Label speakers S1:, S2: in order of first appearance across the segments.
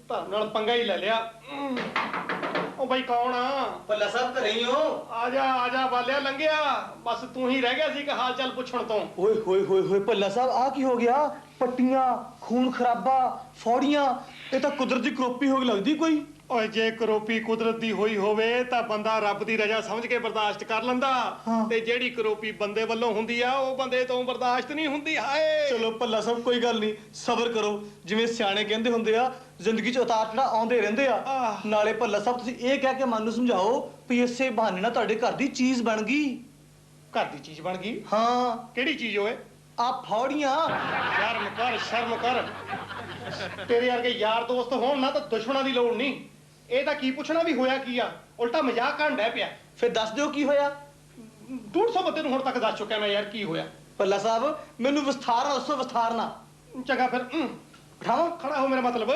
S1: ਧਰਮ ਨਾਲ ਪੰਗਾ ਹੀ ਲੈ ਲਿਆ। ਉਹ ਬਾਈ ਕੌਣ ਆ?
S2: ਭੱਲਾ ਸਾਹਿਬ ਘਰੇ ਹੀ ਹੋ?
S1: ਆ ਜਾ ਬਾਲਿਆ ਲੰਘਿਆ। ਬਸ ਤੂੰ ਹੀ ਰਹਿ ਗਿਆ ਸੀ ਕਿ ਹਾਲ ਚਾਲ ਪੁੱਛਣ ਤੋਂ।
S2: ਓਏ ਹੋਏ ਹੋਏ ਹੋਏ ਭੱਲਾ ਸਾਹਿਬ ਆ ਕੀ ਹੋ ਗਿਆ? ਪੱਟੀਆਂ, ਖੂਨ ਖਰਾਬਾ, ਫੌੜੀਆਂ, ਇਹ ਤਾਂ ਕੁਦਰਤ ਦੀ ਕਰੋਪੀ ਹੋ ਗਈ ਲੱਗਦੀ ਕੋਈ।
S1: ਓਏ ਜੇ ਕਰੋਪੀ ਕੁਦਰਤ ਦੀ ਹੋਈ ਹੋਵੇ ਤਾਂ ਬੰਦਾ ਰੱਬ ਦੀ ਰਜ਼ਾ ਸਮਝ ਕੇ ਬਰਦਾਸ਼ਤ ਕਰ ਲੈਂਦਾ। ਤੇ ਜਿਹੜੀ ਕਰੋਪੀ ਬੰਦੇ ਵੱਲੋਂ ਹੁੰਦੀ ਆ ਉਹ ਬੰਦੇ ਤੋਂ ਬਰਦਾਸ਼ਤ ਨਹੀਂ ਹੁੰਦੀ। ਹਾਏ
S2: ਚਲੋ ਭੱਲਾ ਸਾਹਿਬ ਕੋਈ ਗੱਲ ਨਹੀਂ, ਸਬਰ ਕਰੋ। ਜਿਵੇਂ ਸਿਆਣੇ ਕਹਿੰਦੇ ਹੁੰਦੇ ਆ, ਜ਼ਿੰਦਗੀ 'ਚ ਉਤਾਰ ਚੜ੍ਹਾਅ ਆਉਂਦੇ ਰਹਿੰਦੇ ਆ। ਨਾਲੇ ਭੱਲਾ ਸਾਹਿਬ ਤੁਸੀਂ ਇਹ ਕਹਿ ਕੇ ਮਨ ਨੂੰ ਸਮਝਾਓ ਵੀ ਇਸੇ ਬਹਾਨੇ ਨਾਲ ਤੁਹਾਡੇ ਘਰ ਦੀ ਚੀਜ਼ ਬਣ ਗਈ।
S1: ਘਰ ਦੀ ਚੀਜ਼ ਬਣ ਗਈ?
S2: ਹਾਂ।
S1: ਕਿਹੜੀ ਚੀਜ਼ ਓਏ?
S2: ਆ ਫੌੜੀਆਂ।
S1: ਸ਼ਰਮ ਕਰ। ਤੇਰੇ ਵਰਗੇ ਯਾਰ ਦੋਸਤ ਹੋਣ ਨਾ ਤਾਂ ਦੁਸ਼ਮਣਾਂ ਦੀ ਲੋੜ ਨਹੀਂ। ਇਹ ਤਾਂ ਕੀ ਪੁੱਛਣਾ ਵੀ ਹੋਇਆ ਕੀ ਆ, ਉਲਟਾ ਮਜ਼ਾਕ ਕਰਨ ਡੈ ਪਿਆ।
S2: ਫਿਰ ਦੱਸ ਦਿਓ ਕੀ ਹੋਇਆ।
S1: 150 ਬੰਦੇ ਨੂੰ ਹੁਣ ਤੱਕ ਦੱਸ ਚੁੱਕਿਆ ਮੈਂ ਯਾਰ ਕੀ ਹੋਇਆ।
S2: ਭੱਲਾ ਸਾਹਿਬ ਮੈਨੂੰ ਵਿਸਥਾਰ ਨਾਲ ਦੱਸੋ, ਵਿਸਥਾਰ ਨਾਲ।
S1: ਚੰਗਾ ਫਿਰ
S2: ਬਿਠਾਵਾਂ?
S1: ਖੜਾ ਹੋ ਮੇਰਾ ਮਤਲਬ।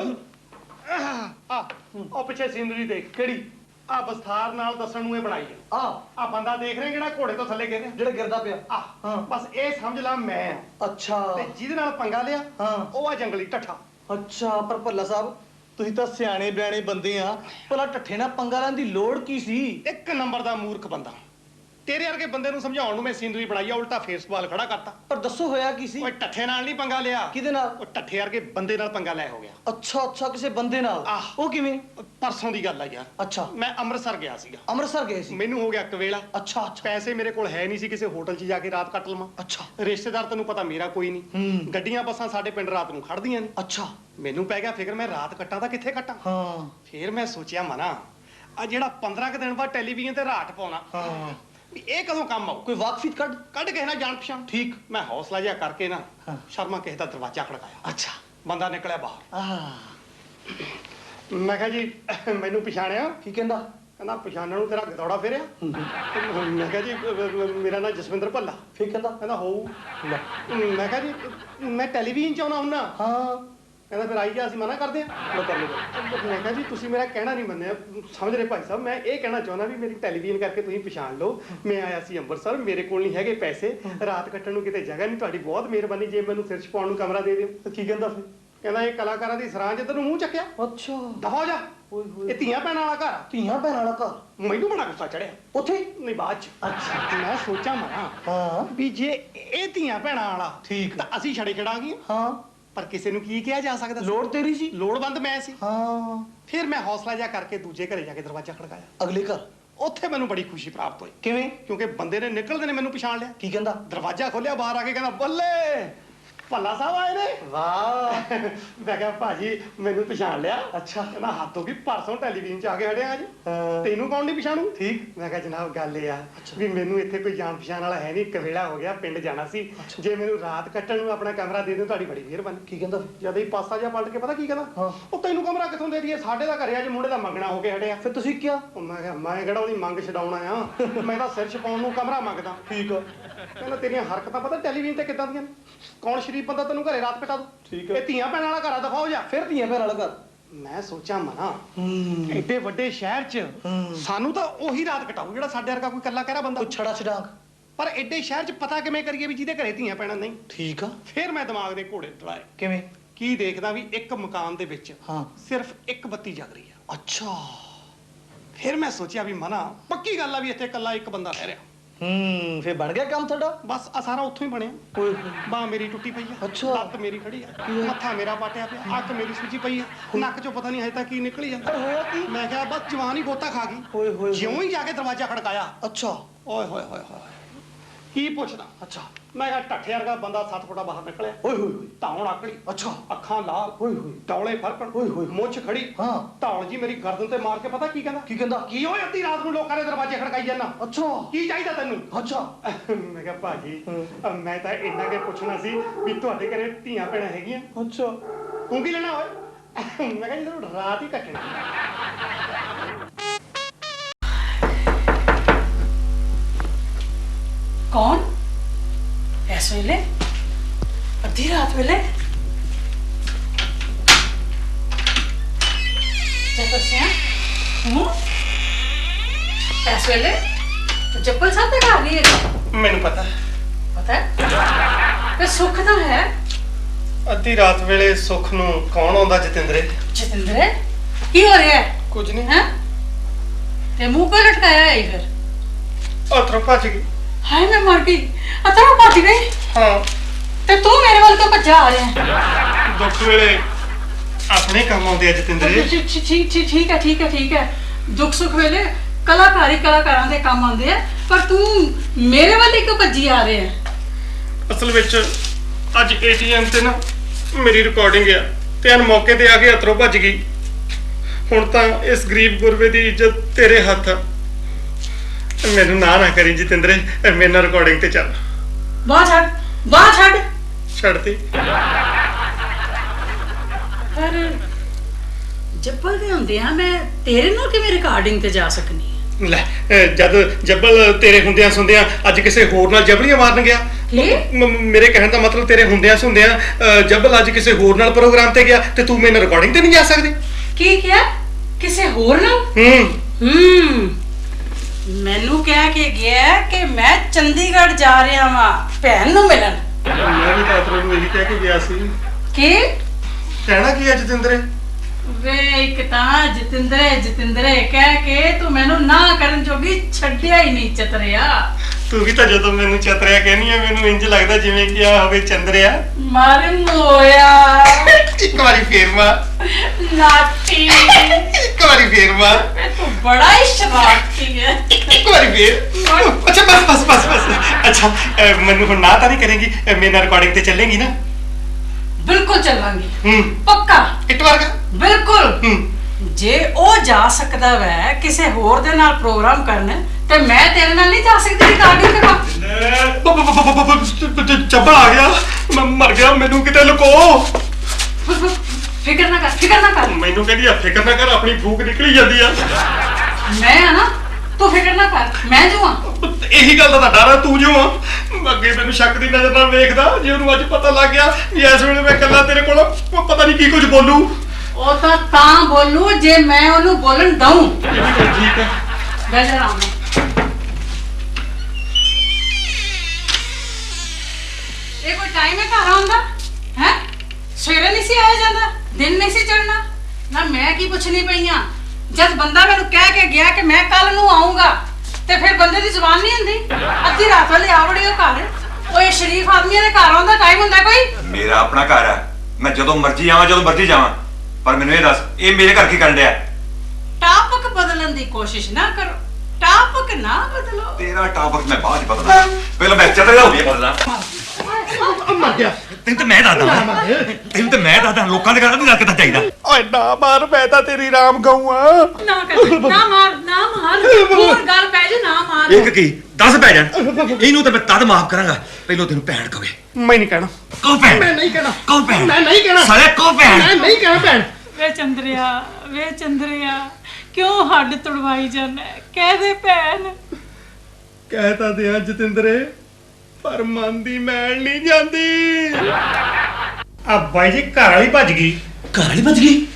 S1: ਉਹ ਪਿੱਛੇ ਸੀਨਰੀ ਦੇਖ।
S2: ਕਿਹੜੀ?
S1: ਆ ਵਿਸਥਾਰ ਨਾਲ ਦੱਸਣ ਨੂੰ ਇਹ ਬਣਾਈ ਆ। ਆ ਬੰਦਾ ਦੇਖ ਰਿਹਾ ਜਿਹੜਾ ਘੋੜੇ ਤੋਂ ਥੱਲੇ ਗਿਰ ਰਿਹਾ,
S2: ਜਿਹੜਾ ਗਿਰਦਾ ਪਿਆ।
S1: ਹਾਂ ਬਸ ਇਹ ਸਮਝ ਲਾ ਮੈਂ।
S2: ਅੱਛਾ।
S1: ਤੇ ਜਿਹਦੇ ਨਾਲ ਪੰਗਾ ਲਿਆ ਉਹ ਆ ਜੰਗਲੀ ਢੱਠਾ।
S2: ਅੱਛਾ ਪਰ ਭੱਲਾ ਸਾਹਿਬ ਤੁਸੀਂ ਤਾਂ ਸਿਆਣੇ ਬਿਆਣੇ ਬੰਦੇ ਆ, ਭਲਾ ਢੱਠੇ ਨਾਲ ਪੰਗਾ ਲੈਣ ਦੀ ਲੋੜ ਕੀ ਸੀ?
S1: ਇੱਕ ਨੰਬਰ ਦਾ ਮੂਰਖ ਬੰਦਾ। ਤੇਰੇ ਵਰਗੇ ਬੰਦੇ ਨੂੰ ਸਮਝਾਉਣ ਨੂੰ ਮੈਂ ਸੀਨਰੀ ਬਣਾਈ ਆ, ਉਲਟਾ ਫੇਰ ਸਵਾਲ ਖੜਾ ਕਰਤਾ।
S2: ਪਰ ਦੱਸੋ ਹੋਇਆ ਕੀ ਸੀ?
S1: ਓਏ ਢੱਠੇ ਨਾਲ ਨਹੀਂ ਪੰਗਾ ਲਿਆ।
S2: ਕਿਹਦੇ ਨਾਲ?
S1: ਉਹ ਢੱਠੇ ਵਰਗੇ ਬੰਦੇ ਨਾਲ ਪੰਗਾ ਲੈ ਹੋ ਗਿਆ।
S2: ਅੱਛਾ ਕਿਸੇ ਬੰਦੇ ਨਾਲ। ਉਹ ਕਿਵੇਂ?
S1: ਪਰਸੋਂ ਦੀ ਗੱਲ ਆ ਯਾਰ।
S2: ਅੱਛਾ।
S1: ਮੈਂ ਅੰਮ੍ਰਿਤਸਰ ਗਿਆ ਸੀਗਾ।
S2: ਅੰਮ੍ਰਿਤਸਰ ਗਏ ਸੀ?
S1: ਮੈਨੂੰ ਹੋ ਗਿਆ ਕਵੇਲਾ।
S2: ਅੱਛਾ।
S1: ਪੈਸੇ ਮੇਰੇ ਕੋਲ ਹੈ ਨਹੀਂ ਸੀ ਕਿਸੇ ਹੋਟਲ 'ਚ ਜਾ ਕੇ ਰਾਤ ਕੱਟ ਲਵਾਂ।
S2: ਅੱਛਾ।
S1: ਰਿਸ਼ਤੇਦਾਰ ਤੈਨੂੰ ਪਤਾ ਮੇਰਾ ਕੋਈ ਨਹੀਂ। ਗੱਡੀਆਂ ਬੱਸਾਂ ਸਾਡੇ ਪਿੰਡ ਰਾਤ ਨੂੰ ਖੜਦੀਆਂ ਨੇ।
S2: ਅੱਛਾ।
S1: ਮੈਨੂੰ ਪੈ ਗਿਆ ਫਿਕਰ, ਮੈਂ ਰਾਤ ਕੱਟਾਂ ਤਾਂ ਕਿੱਥੇ ਕੱਟਾਂ।
S2: ਹਾਂ।
S1: ਫਿਰ ਮੈਂ ਸੋਚਿਆ ਮਨਾ ਆ ਜਿਹੜਾ 15 ਕੁ ਦਿਨ ਬਾਅਦ ਟੈਲੀਵਿਜ਼ਨ ਤੇ ਰਾਤ ਪਾਉਣਾ, ਇਹ ਕਦੋਂ ਕੰਮ ਆਉ।
S2: ਕੋਈ ਵਾਕਫੀਤ
S1: ਕੱਢ ਕੇ ਨਾ ਜਾਣ ਪਛਾਣ।
S2: ਠੀਕ।
S1: ਮੈਂ ਹੌਸਲਾ ਜਿਹਾ ਕਰਕੇ ਨਾ ਸ਼ਰਮਾ ਕਿਸੇ ਦਾ ਦਰਵਾਜ਼ਾ ਖੜਕਾਇਆ।
S2: ਅੱਛਾ।
S1: ਬੰਦਾ ਨਿਕਲਿਆ ਬਾਹਰ। ਮੈਂ ਕਿਹਾ ਜੀ ਮੈਨੂੰ ਪਛਾਣਿਆ?
S2: ਕੀ ਕਹਿੰਦਾ?
S1: ਕਹਿੰਦਾ ਪਛਾਣਨ ਨੂੰ ਤੇਰਾ ਗਦੌੜਾ ਫੇਰਿਆ। ਮੈਂ ਕਿਹਾ ਜੀ ਮੇਰਾ ਨਾਮ ਜਸਵਿੰਦਰ ਭੱਲਾ।
S2: ਫਿਰ
S1: ਕਹਿੰਦਾ ਹੋਊ। ਮੈਂ ਕਿਹਾ ਜੀ ਮੈਂ ਟੈਲੀਵਿਜ਼ਨ 'ਚ ਆਉਣਾ ਹੁੰਨਾ।
S2: ਹਾਂ।
S1: ਕਹਿੰਦਾ ਫਿਰ ਆਈ ਜਾ, ਅਸੀਂ ਮਨਾ ਕਰਦੇ ਹਾਂ। ਮੈਂ ਕਿਹਾ ਜੀ ਤੁਸੀਂ ਮੇਰਾ ਕਹਿਣਾ ਨਹੀਂ ਮੰਨਿਆ। ਸਮਝ ਰਹੇ ਭਾਈ ਸਾਹਿਬ, ਮੈਂ ਇਹ ਕਹਿਣਾ ਚਾਹੁੰਦਾ ਵੀ ਮੇਰੀ ਟੈਲੀਵਿਜ਼ਨ ਕਰਕੇ ਤੁਸੀਂ ਪਛਾਣ ਲਓ। ਮੈਂ ਆਇਆ ਸੀ ਅੰਮ੍ਰਿਤਸਰ, ਮੇਰੇ ਕੋਲ ਨਹੀਂ ਹੈਗੇ ਪੈਸੇ, ਰਾਤ ਕੱਟਣ ਨੂੰ ਕਿਤੇ ਜਗ੍ਹਾ ਨਹੀਂ, ਤੁਹਾਡੀ ਬਹੁਤ ਮਿਹਰਬਾਨੀ ਜੇ ਮੈਨੂੰ ਸਿਰ 'ਚ ਪਾਉਣ ਨੂੰ ਕਮਰਾ ਦੇ ਦਿਓ।
S2: ਕੀ ਕਹਿੰਦਾ ਫਿਰ?
S1: ਕਹਿੰਦਾ ਇਹ ਕਲਾਕਾਰਾਂ ਦੀ ਸਰਾਂ ਜਿੱਧਰ ਨੂੰ ਮੂੰਹ ਚੱਕਿਆ।
S2: ਅੱਛਾ।
S1: ਦਫਾ ਜਾ। ਇਹ ਧੀਆਂ ਭੈਣਾਂ ਵਾਲਾ ਘਰ।
S2: ਧੀਆਂ ਭੈਣਾਂ ਵਾਲਾ ਘਰ?
S1: ਮੈਨੂੰ ਬੜਾ ਗੁੱਸਾ ਚੜਿਆ।
S2: ਉੱਥੇ
S1: ਨਹੀਂ ਬਾਅਦ 'ਚ।
S2: ਅੱਛਾ।
S1: ਮੈਂ ਸੋਚਾਂ ਮਰਾਂ ਵੀ ਜੇ ਇਹ ਧੀਆਂ ਭੈਣਾਂ ਵਾਲਾ
S2: ਠੀਕ
S1: ਤਾਂ ਅਸੀਂ ਛੜੇ ਛੜਾਂਗੇ।
S2: ਹਾਂ।
S1: ਪਰ ਕਿਸੇ ਨੂੰ ਕੀ ਕਿਹਾ ਜਾ ਸਕਦਾ?
S2: ਲੋੜ ਤੇਰੀ ਸੀ,
S1: ਲੋੜਵੰਦ ਮੈਂ ਸੀ।
S2: ਹਾਂ।
S1: ਫਿਰ ਮੈਂ ਹੌਸਲਾ ਜਿਹਾ ਕਰਕੇ ਦੂਜੇ ਘਰੇ ਜਾ ਕੇ ਦਰਵਾਜ਼ਾ ਖੜਕਾਇਆ।
S2: ਅਗਲੇ ਘਰ?
S1: ਉੱਥੇ ਮੈਨੂੰ ਬੜੀ ਖੁਸ਼ੀ ਪ੍ਰਾਪਤ ਹੋਈ।
S2: ਕਿਵੇਂ?
S1: ਕਿਉਂਕਿ ਬੰਦੇ ਨੇ ਨਿਕਲਦੇ ਨੇ ਮੈਨੂੰ ਪਛਾਣ ਲਿਆ।
S2: ਕੀ ਕਹਿੰਦਾ?
S1: ਦਰਵਾਜ਼ਾ ਖੋਲਿਆ, ਬਾਹਰ ਆ ਕੇ ਕਹਿੰਦਾ ਬੱਲੇ ਭੱਲਾ ਸਾਹਿਬ ਆਏ ਨੇ।
S2: ਵਾਹ।
S1: ਮੈਂ ਕਿਹਾ ਭਾਜੀ ਮੈਨੂੰ ਪਛਾਣ ਲਿਆ?
S2: ਅੱਛਾ।
S1: ਕਹਿੰਦਾ ਹੱਥ ਹੋ ਗਈ, ਪਰਸੋਂ ਟੈਲੀਵਿਜ਼ਨ 'ਚ ਆ ਕੇ ਹੜਿਆ ਅੱਜ। ਤੈਨੂੰ ਕੌਣ ਨਹੀਂ ਪਛਾਣੂ?
S2: ਠੀਕ।
S1: ਮੈਂ ਕਿਹਾ ਜਨਾਬ ਗੱਲ ਇਹ ਆ ਵੀ ਮੈਨੂੰ ਇੱਥੇ ਕੋਈ ਜਾਣ ਪਛਾਣ ਵਾਲਾ ਹੈ ਨਹੀਂ, ਕਵੇਲਾ ਹੋ ਗਿਆ, ਪਿੰਡ ਜਾਣਾ ਸੀ। ਜੇ ਮੈਨੂੰ ਰਾਤ ਕੱਟਣ ਨੂੰ ਆਪਣਾ ਕਮਰਾ ਦੇ ਦਿਓ ਤੁਹਾਡੀ ਬੜੀ ਮਿਹਰਬਾਨੀ।
S2: ਕੀ ਕਹਿੰਦਾ?
S1: ਜਦ ਹੀ ਪਾਸਾ ਜਿਹਾ ਪਲਟ ਕੇ ਪਤਾ ਕੀ ਕਹਿੰਦਾ? ਉਹ ਤੈਨੂੰ ਕਮਰਾ ਕਿੱਥੋਂ ਦੇ ਦਈਏ, ਸਾਡੇ ਦਾ ਘਰੇ ਅੱਜ ਮੁੰਡੇ ਦਾ ਮੰਗਣਾ ਹੋ ਕੇ ਹਟਿਆ।
S2: ਫਿਰ ਤੁਸੀਂ ਕਿਹਾ?
S1: ਮੈਂ ਕਿਹਾ ਮੈਂ ਕਿਹੜਾ ਉਹਦੀ ਮੰਗ ਛਡਾਉਣਾ ਆ, ਮੈਂ ਤਾਂ ਸਿਰ ਛਪਾਉਣ ਨੂੰ ਕਮਰਾ ਮੰਗਦਾ।
S2: ਠੀਕ ਆ।
S1: ਕਹਿੰਦਾ ਤੇਰੀਆਂ ਹਰਕਤਾਂ ਪਤਾ ਟੈਲੀਵਿਜ਼ਨ ਤੇ ਕਿੱਦਾਂ ਦੀਆਂ ਨੇ, ਕੌਣ ਸ਼ਰੀਫ ਬੰਦਾ ਤੈਨੂੰ ਘਰੇ ਰਾਤ ਕਟਾ ਦੂ।
S2: ਠੀਕ ਆ।
S1: ਇਹ ਧੀਆਂ ਭੈਣਾਂ ਵਾਲਾ ਘਰ ਆ, ਦਫਾ ਹੋ ਜਾ।
S2: ਫਿਰ ਧੀਆਂ ਭੈਣਾਂ ਵਾਲਾ ਘਰ?
S1: ਮੈਂ ਸੋਚਾਂ ਮਨਾ ਐਡੇ ਵੱਡੇ ਸ਼ਹਿਰ 'ਚ ਸਾਨੂੰ ਤਾਂ ਉਹੀ ਰਾਤ ਕਟਾਊ ਜਿਹੜਾ ਸਾਡੇ ਵਰਗਾ ਕੋਈ ਕੱਲਾ ਕਹਿਰਾ ਬੰਦਾ।
S2: ਕੋਈ ਛੜਾ ਛਡਾਂਗ।
S1: ਪਰ ਐਡੇ ਸ਼ਹਿਰ 'ਚ ਪਤਾ ਕਿਵੇਂ ਕਰੀਏ ਵੀ ਜਿਹਦੇ ਘਰੇ ਧੀਆਂ ਭੈਣਾਂ ਨਹੀਂ?
S2: ਠੀਕ ਆ।
S1: ਫਿਰ ਮੈਂ ਦਿਮਾਗ ਦੇ ਘੋੜੇ ਚਲਾਏ।
S2: ਕਿਵੇਂ?
S1: ਕੀ ਦੇਖਦਾ ਵੀ ਇੱਕ ਮਕਾਨ ਦੇ ਵਿੱਚ
S2: ਹਾਂ
S1: ਸਿਰਫ ਇੱਕ ਬੱਤੀ ਜਗ ਰਹੀ ਆ।
S2: ਅੱਛਾ।
S1: ਫਿਰ ਮੈਂ ਸੋਚਿਆ ਵੀ ਮਨਾ ਪੱਕੀ ਗੱਲ ਆ ਵੀ ਇੱਥੇ ਇਕੱਲਾ ਇੱਕ ਬੰਦਾ ਰਹਿ ਰਿਹਾ।
S2: ਫਿਰ ਬਣ ਗਿਆ ਕੰਮ ਤੁਹਾਡਾ?
S1: ਬਸ ਆ ਸਾਰਾ ਉੱਥੋਂ ਹੀ ਬਣਿਆ।
S2: ਓਏ
S1: ਬਾਹ ਮੇਰੀ ਟੁੱਟੀ ਪਈ ਆ।
S2: ਅੱਛਾ।
S1: ਲੱਤ ਮੇਰੀ ਖੜੀ ਆ, ਮੱਥਾ ਮੇਰਾ ਪਾਟਿਆ ਪਿਆ, ਅੱਖ ਮੇਰੀ ਸੁੱਜੀ ਪਈ ਆ, ਨੱਕ 'ਚੋਂ ਪਤਾ ਨਹੀਂ ਹਜੇ ਤੱਕ ਕੀ ਨਿਕਲੀ ਜਾਂਦਾ।
S2: ਹੋਇਆ ਕੀ?
S1: ਮੈਂ ਕਿਹਾ ਬਸ ਜਵਾਨ ਹੀ ਗੋਤਾ ਖਾ ਗਈ।
S2: ਓਏ ਹੋਏ।
S1: ਜਿਉਂ ਹੀ ਜਾ ਕੇ ਦਰਵਾਜ਼ਾ ਖੜਕਾਇਆ।
S2: ਅੱਛਾ।
S1: ਓਏ ਹੋਏ ਹੋਏ ਹੋਏ ਕੀ ਪੁੱਛਦਾ?
S2: ਅੱਛਾ।
S1: ਮੈਂ ਕਿਹਾ ਢੱਠੇ ਵਰਗਾ ਬੰਦਾ 7 ਫੁੱਟਾ ਬਾਹਰ ਨਿਕਲਿਆ।
S2: ਓਏ ਹੋਏ ਹੋਏ।
S1: ਧੌਣ ਆਕੜੀ।
S2: ਅੱਛਾ।
S1: ਅੱਖਾਂ ਲਾਲ।
S2: ਓਏ ਹੋਏ।
S1: ਡੌਲੇ ਫਰਕਣ।
S2: ਓਏ ਹੋਏ।
S1: ਮੁੱਛ ਖੜੀ।
S2: ਹਾਂ।
S1: ਧੌਣ ਜੀ ਮੇਰੀ ਗਰਦਨ ਤੇ ਮਾਰ ਕੇ ਪਤਾ ਕੀ ਕਹਿੰਦਾ?
S2: ਕੀ ਕਹਿੰਦਾ?
S1: ਕੀ ਹੋਏ ਅੱਧੀ ਰਾਤ ਨੂੰ ਲੋਕਾਂ ਦੇ ਦਰਵਾਜ਼ੇ ਖੜਕਾਈ ਜਾਂਦਾ?
S2: ਅੱਛਾ।
S1: ਕੀ ਚਾਹੀਦਾ ਤੈਨੂੰ?
S2: ਅੱਛਾ।
S1: ਮੈਂ ਕਿਹਾ ਭਾਜੀ ਮੈਂ ਤਾਂ ਇੰਨਾ ਕਿ ਪੁੱਛਣਾ ਸੀ ਵੀ ਤੁਹਾਡੇ ਘਰੇ ਧੀਆਂ ਭੈਣਾਂ ਹੈਗੀਆਂ?
S2: ਅੱਛਾ।
S1: ਤੂੰ ਕੀ ਲੈਣਾ ਓਏ? ਮੈਂ ਕਿਹਾ ਜਦੋਂ ਰਾਤ ਹੀ ਕੱਟਣੀ।
S3: ਕੌਣ ਇਸ ਵੇਲੇ ਅੱਧੀ ਰਾਤ ਵੇਲੇ ਜੱਪਲ ਸਿਆ ਹੂੰ ਇਸ ਵੇਲੇ ਜੱਪਲ ਸਾਹਿਬ ਦਾ ਘਰ ਨਹੀਂ ਹੈ?
S1: ਮੈਨੂੰ ਪਤਾ
S3: ਹੈ ਤੇ ਸੁੱਖ ਤਾਂ ਹੈ
S1: ਅੱਧੀ ਰਾਤ ਵੇਲੇ ਸੁੱਖ ਨੂੰ ਕੌਣ ਆਉਂਦਾ ਜਤਿੰਦਰੇ?
S3: ਜਤਿੰਦਰੇ ਕੀ ਹੋ ਰਿਹਾ ਹੈ?
S1: ਕੁਝ ਨਹੀਂ।
S3: ਹੈ ਤੇ ਮੂੰਹ ਕੋ ਲਟਕਾਇਆ ਹੈ ਫਿਰ?
S1: ਉਤਰੋਂ ਭੱਜ ਗਈ।
S3: ਹਾਏ ਮੈਂ ਮਰ ਗਈ। ਅਤਰ ਭੱਜ ਗਈ?
S1: ਹਾਂ।
S3: ਤੇ ਤੂੰ ਮੇਰੇ ਵੱਲ ਕਿਉਂ ਭੱਜਾ ਆ ਰਿਹਾ ਹੈ?
S1: ਦੁੱਖ ਵੇਲੇ ਆਪਣੇ ਕੰਮ ਆਉਂਦੇ ਆ ਜਤਿੰਦਰੇ।
S3: ਠੀਕ ਹੈ। ਦੁੱਖ ਸੁੱਖ ਵੇਲੇ ਕਲਾਕਾਰਾਂ ਦੇ ਕੰਮ ਆਉਂਦੇ ਆ, ਪਰ ਤੂੰ ਮੇਰੇ ਵੱਲ ਹੀ ਕਿਉਂ ਭੱਜੀ ਆ ਰਿਹਾ ਹੈ?
S1: ਅਸਲ ਵਿੱਚ ਅੱਜ ਏਟੀਐਮ ਤੇ ਨਾ ਮੇਰੀ ਰਿਕਾਰਡਿੰਗ ਆ ਤੇ ਅਨ ਮੌਕੇ ਤੇ ਆ ਕੇ ਅਤਰੋਂ ਭੱਜ ਗਈ। ਹੁਣ ਤਾਂ ਇਸ ਗਰੀਬ ਗੁਰਬੇ ਦੀ ਇੱਜ਼ਤ ਤੇਰੇ ਹੱਥ ਆ। ਮੈਨੂੰ ਨਾ ਕਰੀ ਜਤਿੰਦਰੇ, ਮੇਰੇ ਨਾਲ ਰਿਕਾਰਡਿੰਗ ਤੇ ਚੱਲ।
S3: ਬਾਹ ਛੱਡ।
S1: ਛੱਡਤੀ।
S3: ਪਰ ਜੱਬਲ ਦੇ ਹੁੰਦੇ ਆ ਮੈਂ ਤੇਰੇ ਨਾਲ ਕਿਵੇਂ ਰਿਕਾਰਡਿੰਗ ਤੇ ਜਾ ਸਕਨੀ?
S1: ਲੈ ਜਦ ਜੱਬਲ ਤੇਰੇ ਹੁੰਦਿਆਂ ਸੁਣਦਿਆਂ ਅੱਜ ਕਿਸੇ ਹੋਰ ਨਾਲ ਜਬਲੀਆਂ ਮਾਰਨ ਗਿਆ। ਮੇਰੇ ਕਹਿਣ ਦਾ ਮਤਲਬ ਤੇਰੇ ਹੁੰਦਿਆਂ ਸੁਣਦਿਆਂ ਜੱਬਲ ਅੱਜ ਕਿਸੇ ਹੋਰ ਨਾਲ ਪ੍ਰੋਗਰਾਮ ਤੇ ਗਿਆ ਤੇ ਤੂੰ ਮੇਰੇ ਨਾਲ ਰਿਕਾਰਡਿੰਗ ਤੇ ਨਹੀਂ ਜਾ ਸਕਦੀ।
S3: ਕੀ ਕਿਹਾ? ਕਿਸੇ ਹੋਰ ਨਾਲ? ਮੈਨੂੰ ਕਹਿ ਕੇ ਗਿਆ ਕਿ ਮੈਂ ਚੰਡੀਗੜ੍ਹ ਜਾ ਰਿਹਾ ਵਾਂ ਭੈਣ ਨੂੰ ਮਿਲਣ।
S1: ਮੈਂ ਵੀ ਤਾਂ ਅਤਰੋਂ ਨੂੰ ਇਹੀ ਕਹਿ ਕੇ ਗਿਆ ਸੀ।
S3: ਕੀ
S1: ਕਹਿਣਾ ਕੀ ਹੈ ਜਤਿੰਦਰੇ?
S3: ਵੇ ਇੱਕ ਤਾਂ ਜਤਿੰਦਰੇ ਕਹਿ ਕੇ ਤੂੰ ਮੈਨੂੰ ਨਾ ਕਰਨ ਜੋਗੀ ਛੱਡਿਆ ਹੀ ਨਹੀਂ ਚਤਰਿਆ।
S1: ਤੂੰ ਵੀ ਤਾਂ ਜਦੋਂ ਮੈਨੂੰ ਚਤਰਿਆ ਕਹਿਨੀ ਆ ਮੈਨੂੰ ਇੰਜ ਲੱਗਦਾ ਜਿਵੇਂ ਕਿ ਆ ਹੋਵੇ ਚੰਦਰਿਆ।
S3: ਮਾਰਨ ਹੋਇਆ।
S1: ਇੱਕ ਵਾਰੀ ਫੇਰ ਮਾਰ।
S3: ਨਾਟੀ।
S1: ਇੱਕ ਵਾਰੀ ਫੇਰ ਮਾਰ।
S3: ਤੂੰ ਬੜਾ ਹੀ ਸ਼ਰਾਰਤੀ ਹੈ।
S1: ਇੱਕ ਵਾਰੀ ਫੇਰ। ਅੱਛਾ ਬਸ। ਅੱਛਾ ਮੈਨੂੰ ਹੁਣ ਨਾ ਤਾਂ ਨਹੀਂ ਕਰੇਗੀ? ਮੇਰੇ ਨਾਲ ਰਿਕਾਰਡਿੰਗ ਤੇ ਚੱਲੇਗੀ ਨਾ?
S3: ਬਿਲਕੁਲ ਚੱਲਾਂਗੀ। ਪੱਕਾ।
S1: ਇੱਕ ਵਾਰ ਕਾ?
S3: ਬਿਲਕੁਲ। ਜੇ ਉਹ ਜਾ ਸਕਦਾ ਵੈ ਕਿਸੇ ਹੋਰ ਦੇ ਨਾਲ ਪ੍ਰੋਗਰਾਮ ਕਰਨ ਤੇ ਮੈਂ ਤੇਰੇ ਨਾਲ ਨਹੀਂ ਜਾ ਸਕਦੀ ਰਿਕਾਰਡਿੰਗ ਕਰਾਂ?
S1: ਚੱਬਲ ਆ ਗਿਆ। ਮੈਂ ਮਰ ਗਿਆ। ਮੈਨੂੰ ਕਿਤੇ ਲੁਕੋ।
S3: ਫਿਕਰ ਨਾ ਕਰ।
S1: ਮੈਨੂੰ ਕਹਿੰਦੀ ਆ ਫਿਕਰ ਨਾ ਕਰ, ਆਪਣੀ ਫੂਕ ਨਿਕਲੀ ਜਾਂਦੀ ਆ।
S3: ਮੈਂ ਆ ਨਾ, ਤੂੰ ਫਿਕਰ ਨਾ ਕਰ। ਮੈਂ ਜੋ ਆ।
S1: ਇਹੀ ਗੱਲ ਦਾ ਤਾਂ ਡਰ ਆ, ਤੂੰ ਜੋ ਆ। ਅੱਗੇ ਮੈਨੂੰ ਸ਼ੱਕ ਦੀ ਨਜ਼ਰ ਨਾਲ ਵੇਖਦਾ। ਜੇ ਉਹਨੂੰ ਅੱਜ ਪਤਾ ਲੱਗ ਗਿਆ ਵੀ ਇਸ ਵੇਲੇ ਮੈਂ ਇਕੱਲਾ ਤੇਰੇ ਕੋਲ ਪਤਾ ਨਹੀਂ ਕੀ ਕੁਝ ਬੋਲੂ।
S3: ਉਹ ਤਾਂ ਬੋਲੂ ਜੇ ਮੈਂ ਉਹਨੂੰ ਬੋਲਣ ਦਊਂ।
S1: ਠੀਕ ਹੈ।
S3: ਬਹਿ ਜਾ ਆਰਾਮ ਨਾਲ। ਇਹ ਕੋਈ ਟਾਈਮ ਹੈ ਘਰ ਆਉਣ ਦਾ? ਹੈ ਸਵੇਰੇ ਨਹੀਂ ਸੀ ਆਇਆ ਜਾਂਦਾ? ਦਿਨ ਨਹੀਂ ਸੀ ਚੜਨਾ? ਨਾ ਮੈਂ ਕੀ ਪੁੱਛਣੀ ਪਈਆਂ? ਜਦ ਬੰਦਾ ਮੈਨੂੰ ਕਹਿ ਕੇ ਗਿਆ ਕਿ ਮੈਂ ਕੱਲ ਨੂੰ ਆਉਂਗਾ ਤੇ ਫਿਰ ਬੰਦੇ ਦੀ ਜ਼ੁਬਾਨ ਨਹੀਂ ਹੁੰਦੀ? ਅੱਧੀ ਰਾਤ ਵੇਲੇ ਆ ਵੜੇ ਉਹ ਘਰ। ਉਹ ਇਹ ਸ਼ਰੀਫ ਆਦਮੀਆਂ ਦੇ ਘਰ ਆਉਣ ਦਾ ਟਾਈਮ ਹੁੰਦਾ ਕੋਈ?
S4: ਮੇਰਾ ਆਪਣਾ ਘਰ ਹੈ, ਮੈਂ ਜਦੋਂ ਮਰਜ਼ੀ ਆਵਾਂ ਜਦੋਂ ਮਰਜ਼ੀ ਜਾਵਾਂ। ਪਰ ਮੈਨੂੰ ਇਹ ਦੱਸ, ਇਹ ਮੇਰੇ ਘਰ ਕੀ ਕਰਨ ਡਿਆ?
S3: ਟਾਪਕ ਬਦਲਣ ਦੀ ਕੋਸ਼ਿਸ਼ ਨਾ ਕਰੋ। ਟਾਪਕ ਨਾ ਬਦਲੋ।
S4: ਤੇਰਾ ਟਾਪਕ ਮੈਂ ਬਾਅਦ ਚ ਬਦਲਾਂ। ਪਹਿਲਾਂ ਮੈਂ ਚਤਰਾ ਹੋ ਗਿਆ ਬਦਲਾਂ।
S1: ਮਰ ਗਿਆ।
S4: ਤੈਨੂੰ ਤਾਂ ਮੈਂ ਦੱਸਦਾ ਲੋਕਾਂ ਦੇ ਘਰ ਨਹੀਂ ਰੱਖ ਕਿੱਦਾਂ ਚਾਹੀਦਾ।
S1: ਓਏ ਨਾ ਮਾਰ, ਮੈਂ ਤਾਂ ਤੇਰੀ ਰਾਮ ਗਊ ਆ।
S3: ਨਾ ਮਾਰ। ਹੋਰ ਗੱਲ ਪੈ ਜੇ ਨਾ ਮਾਰ।
S4: ਇੱਕ ਕੀ 10 ਪੈ ਜਾਣ। ਇਹਨੂੰ ਤਾਂ ਮੈਂ ਤਦ ਮਾਫ ਕਰਾਂਗਾ ਪਹਿਲਾਂ ਤੈਨੂੰ ਭੈਣ ਕਵੇ।
S1: ਮੈਂ ਨਹੀਂ ਕਹਿਣਾ।
S4: ਕਹੋ ਭੈਣ।
S1: ਮੈਂ ਨਹੀਂ ਕਹਿਣਾ।
S4: ਕਹੋ ਭੈਣ।
S1: ਮੈਂ ਨਹੀਂ ਕਹਿਣਾ।
S4: ਸਾਲੇ ਕਹੋ ਭੈਣ।
S1: ਮੈਂ ਨਹੀਂ ਕਹਿਣਾ ਭੈਣ।
S3: ਵੇ ਚੰਦਰਿਆ ਕਿਉਂ ਹੱਡ ਤੁੜਵਾਈ ਜਾਂਦਾ? ਕਹਿ ਦੇ ਭੈਣ।
S1: ਕਹਿ ਤਾਂ ਦਿਆਂ ਜਤਿੰਦਰੇ, ਪਰ ਮਨ ਦੀ ਮੈਲ ਨਹੀਂ ਜਾਂਦੀ। ਆ ਬਾਈ ਜੀ ਘਰ ਵਾਲੀ ਭੱਜ ਗਈ।
S2: ਘਰ ਵਾਲੀ ਭੱਜ ਗਈ?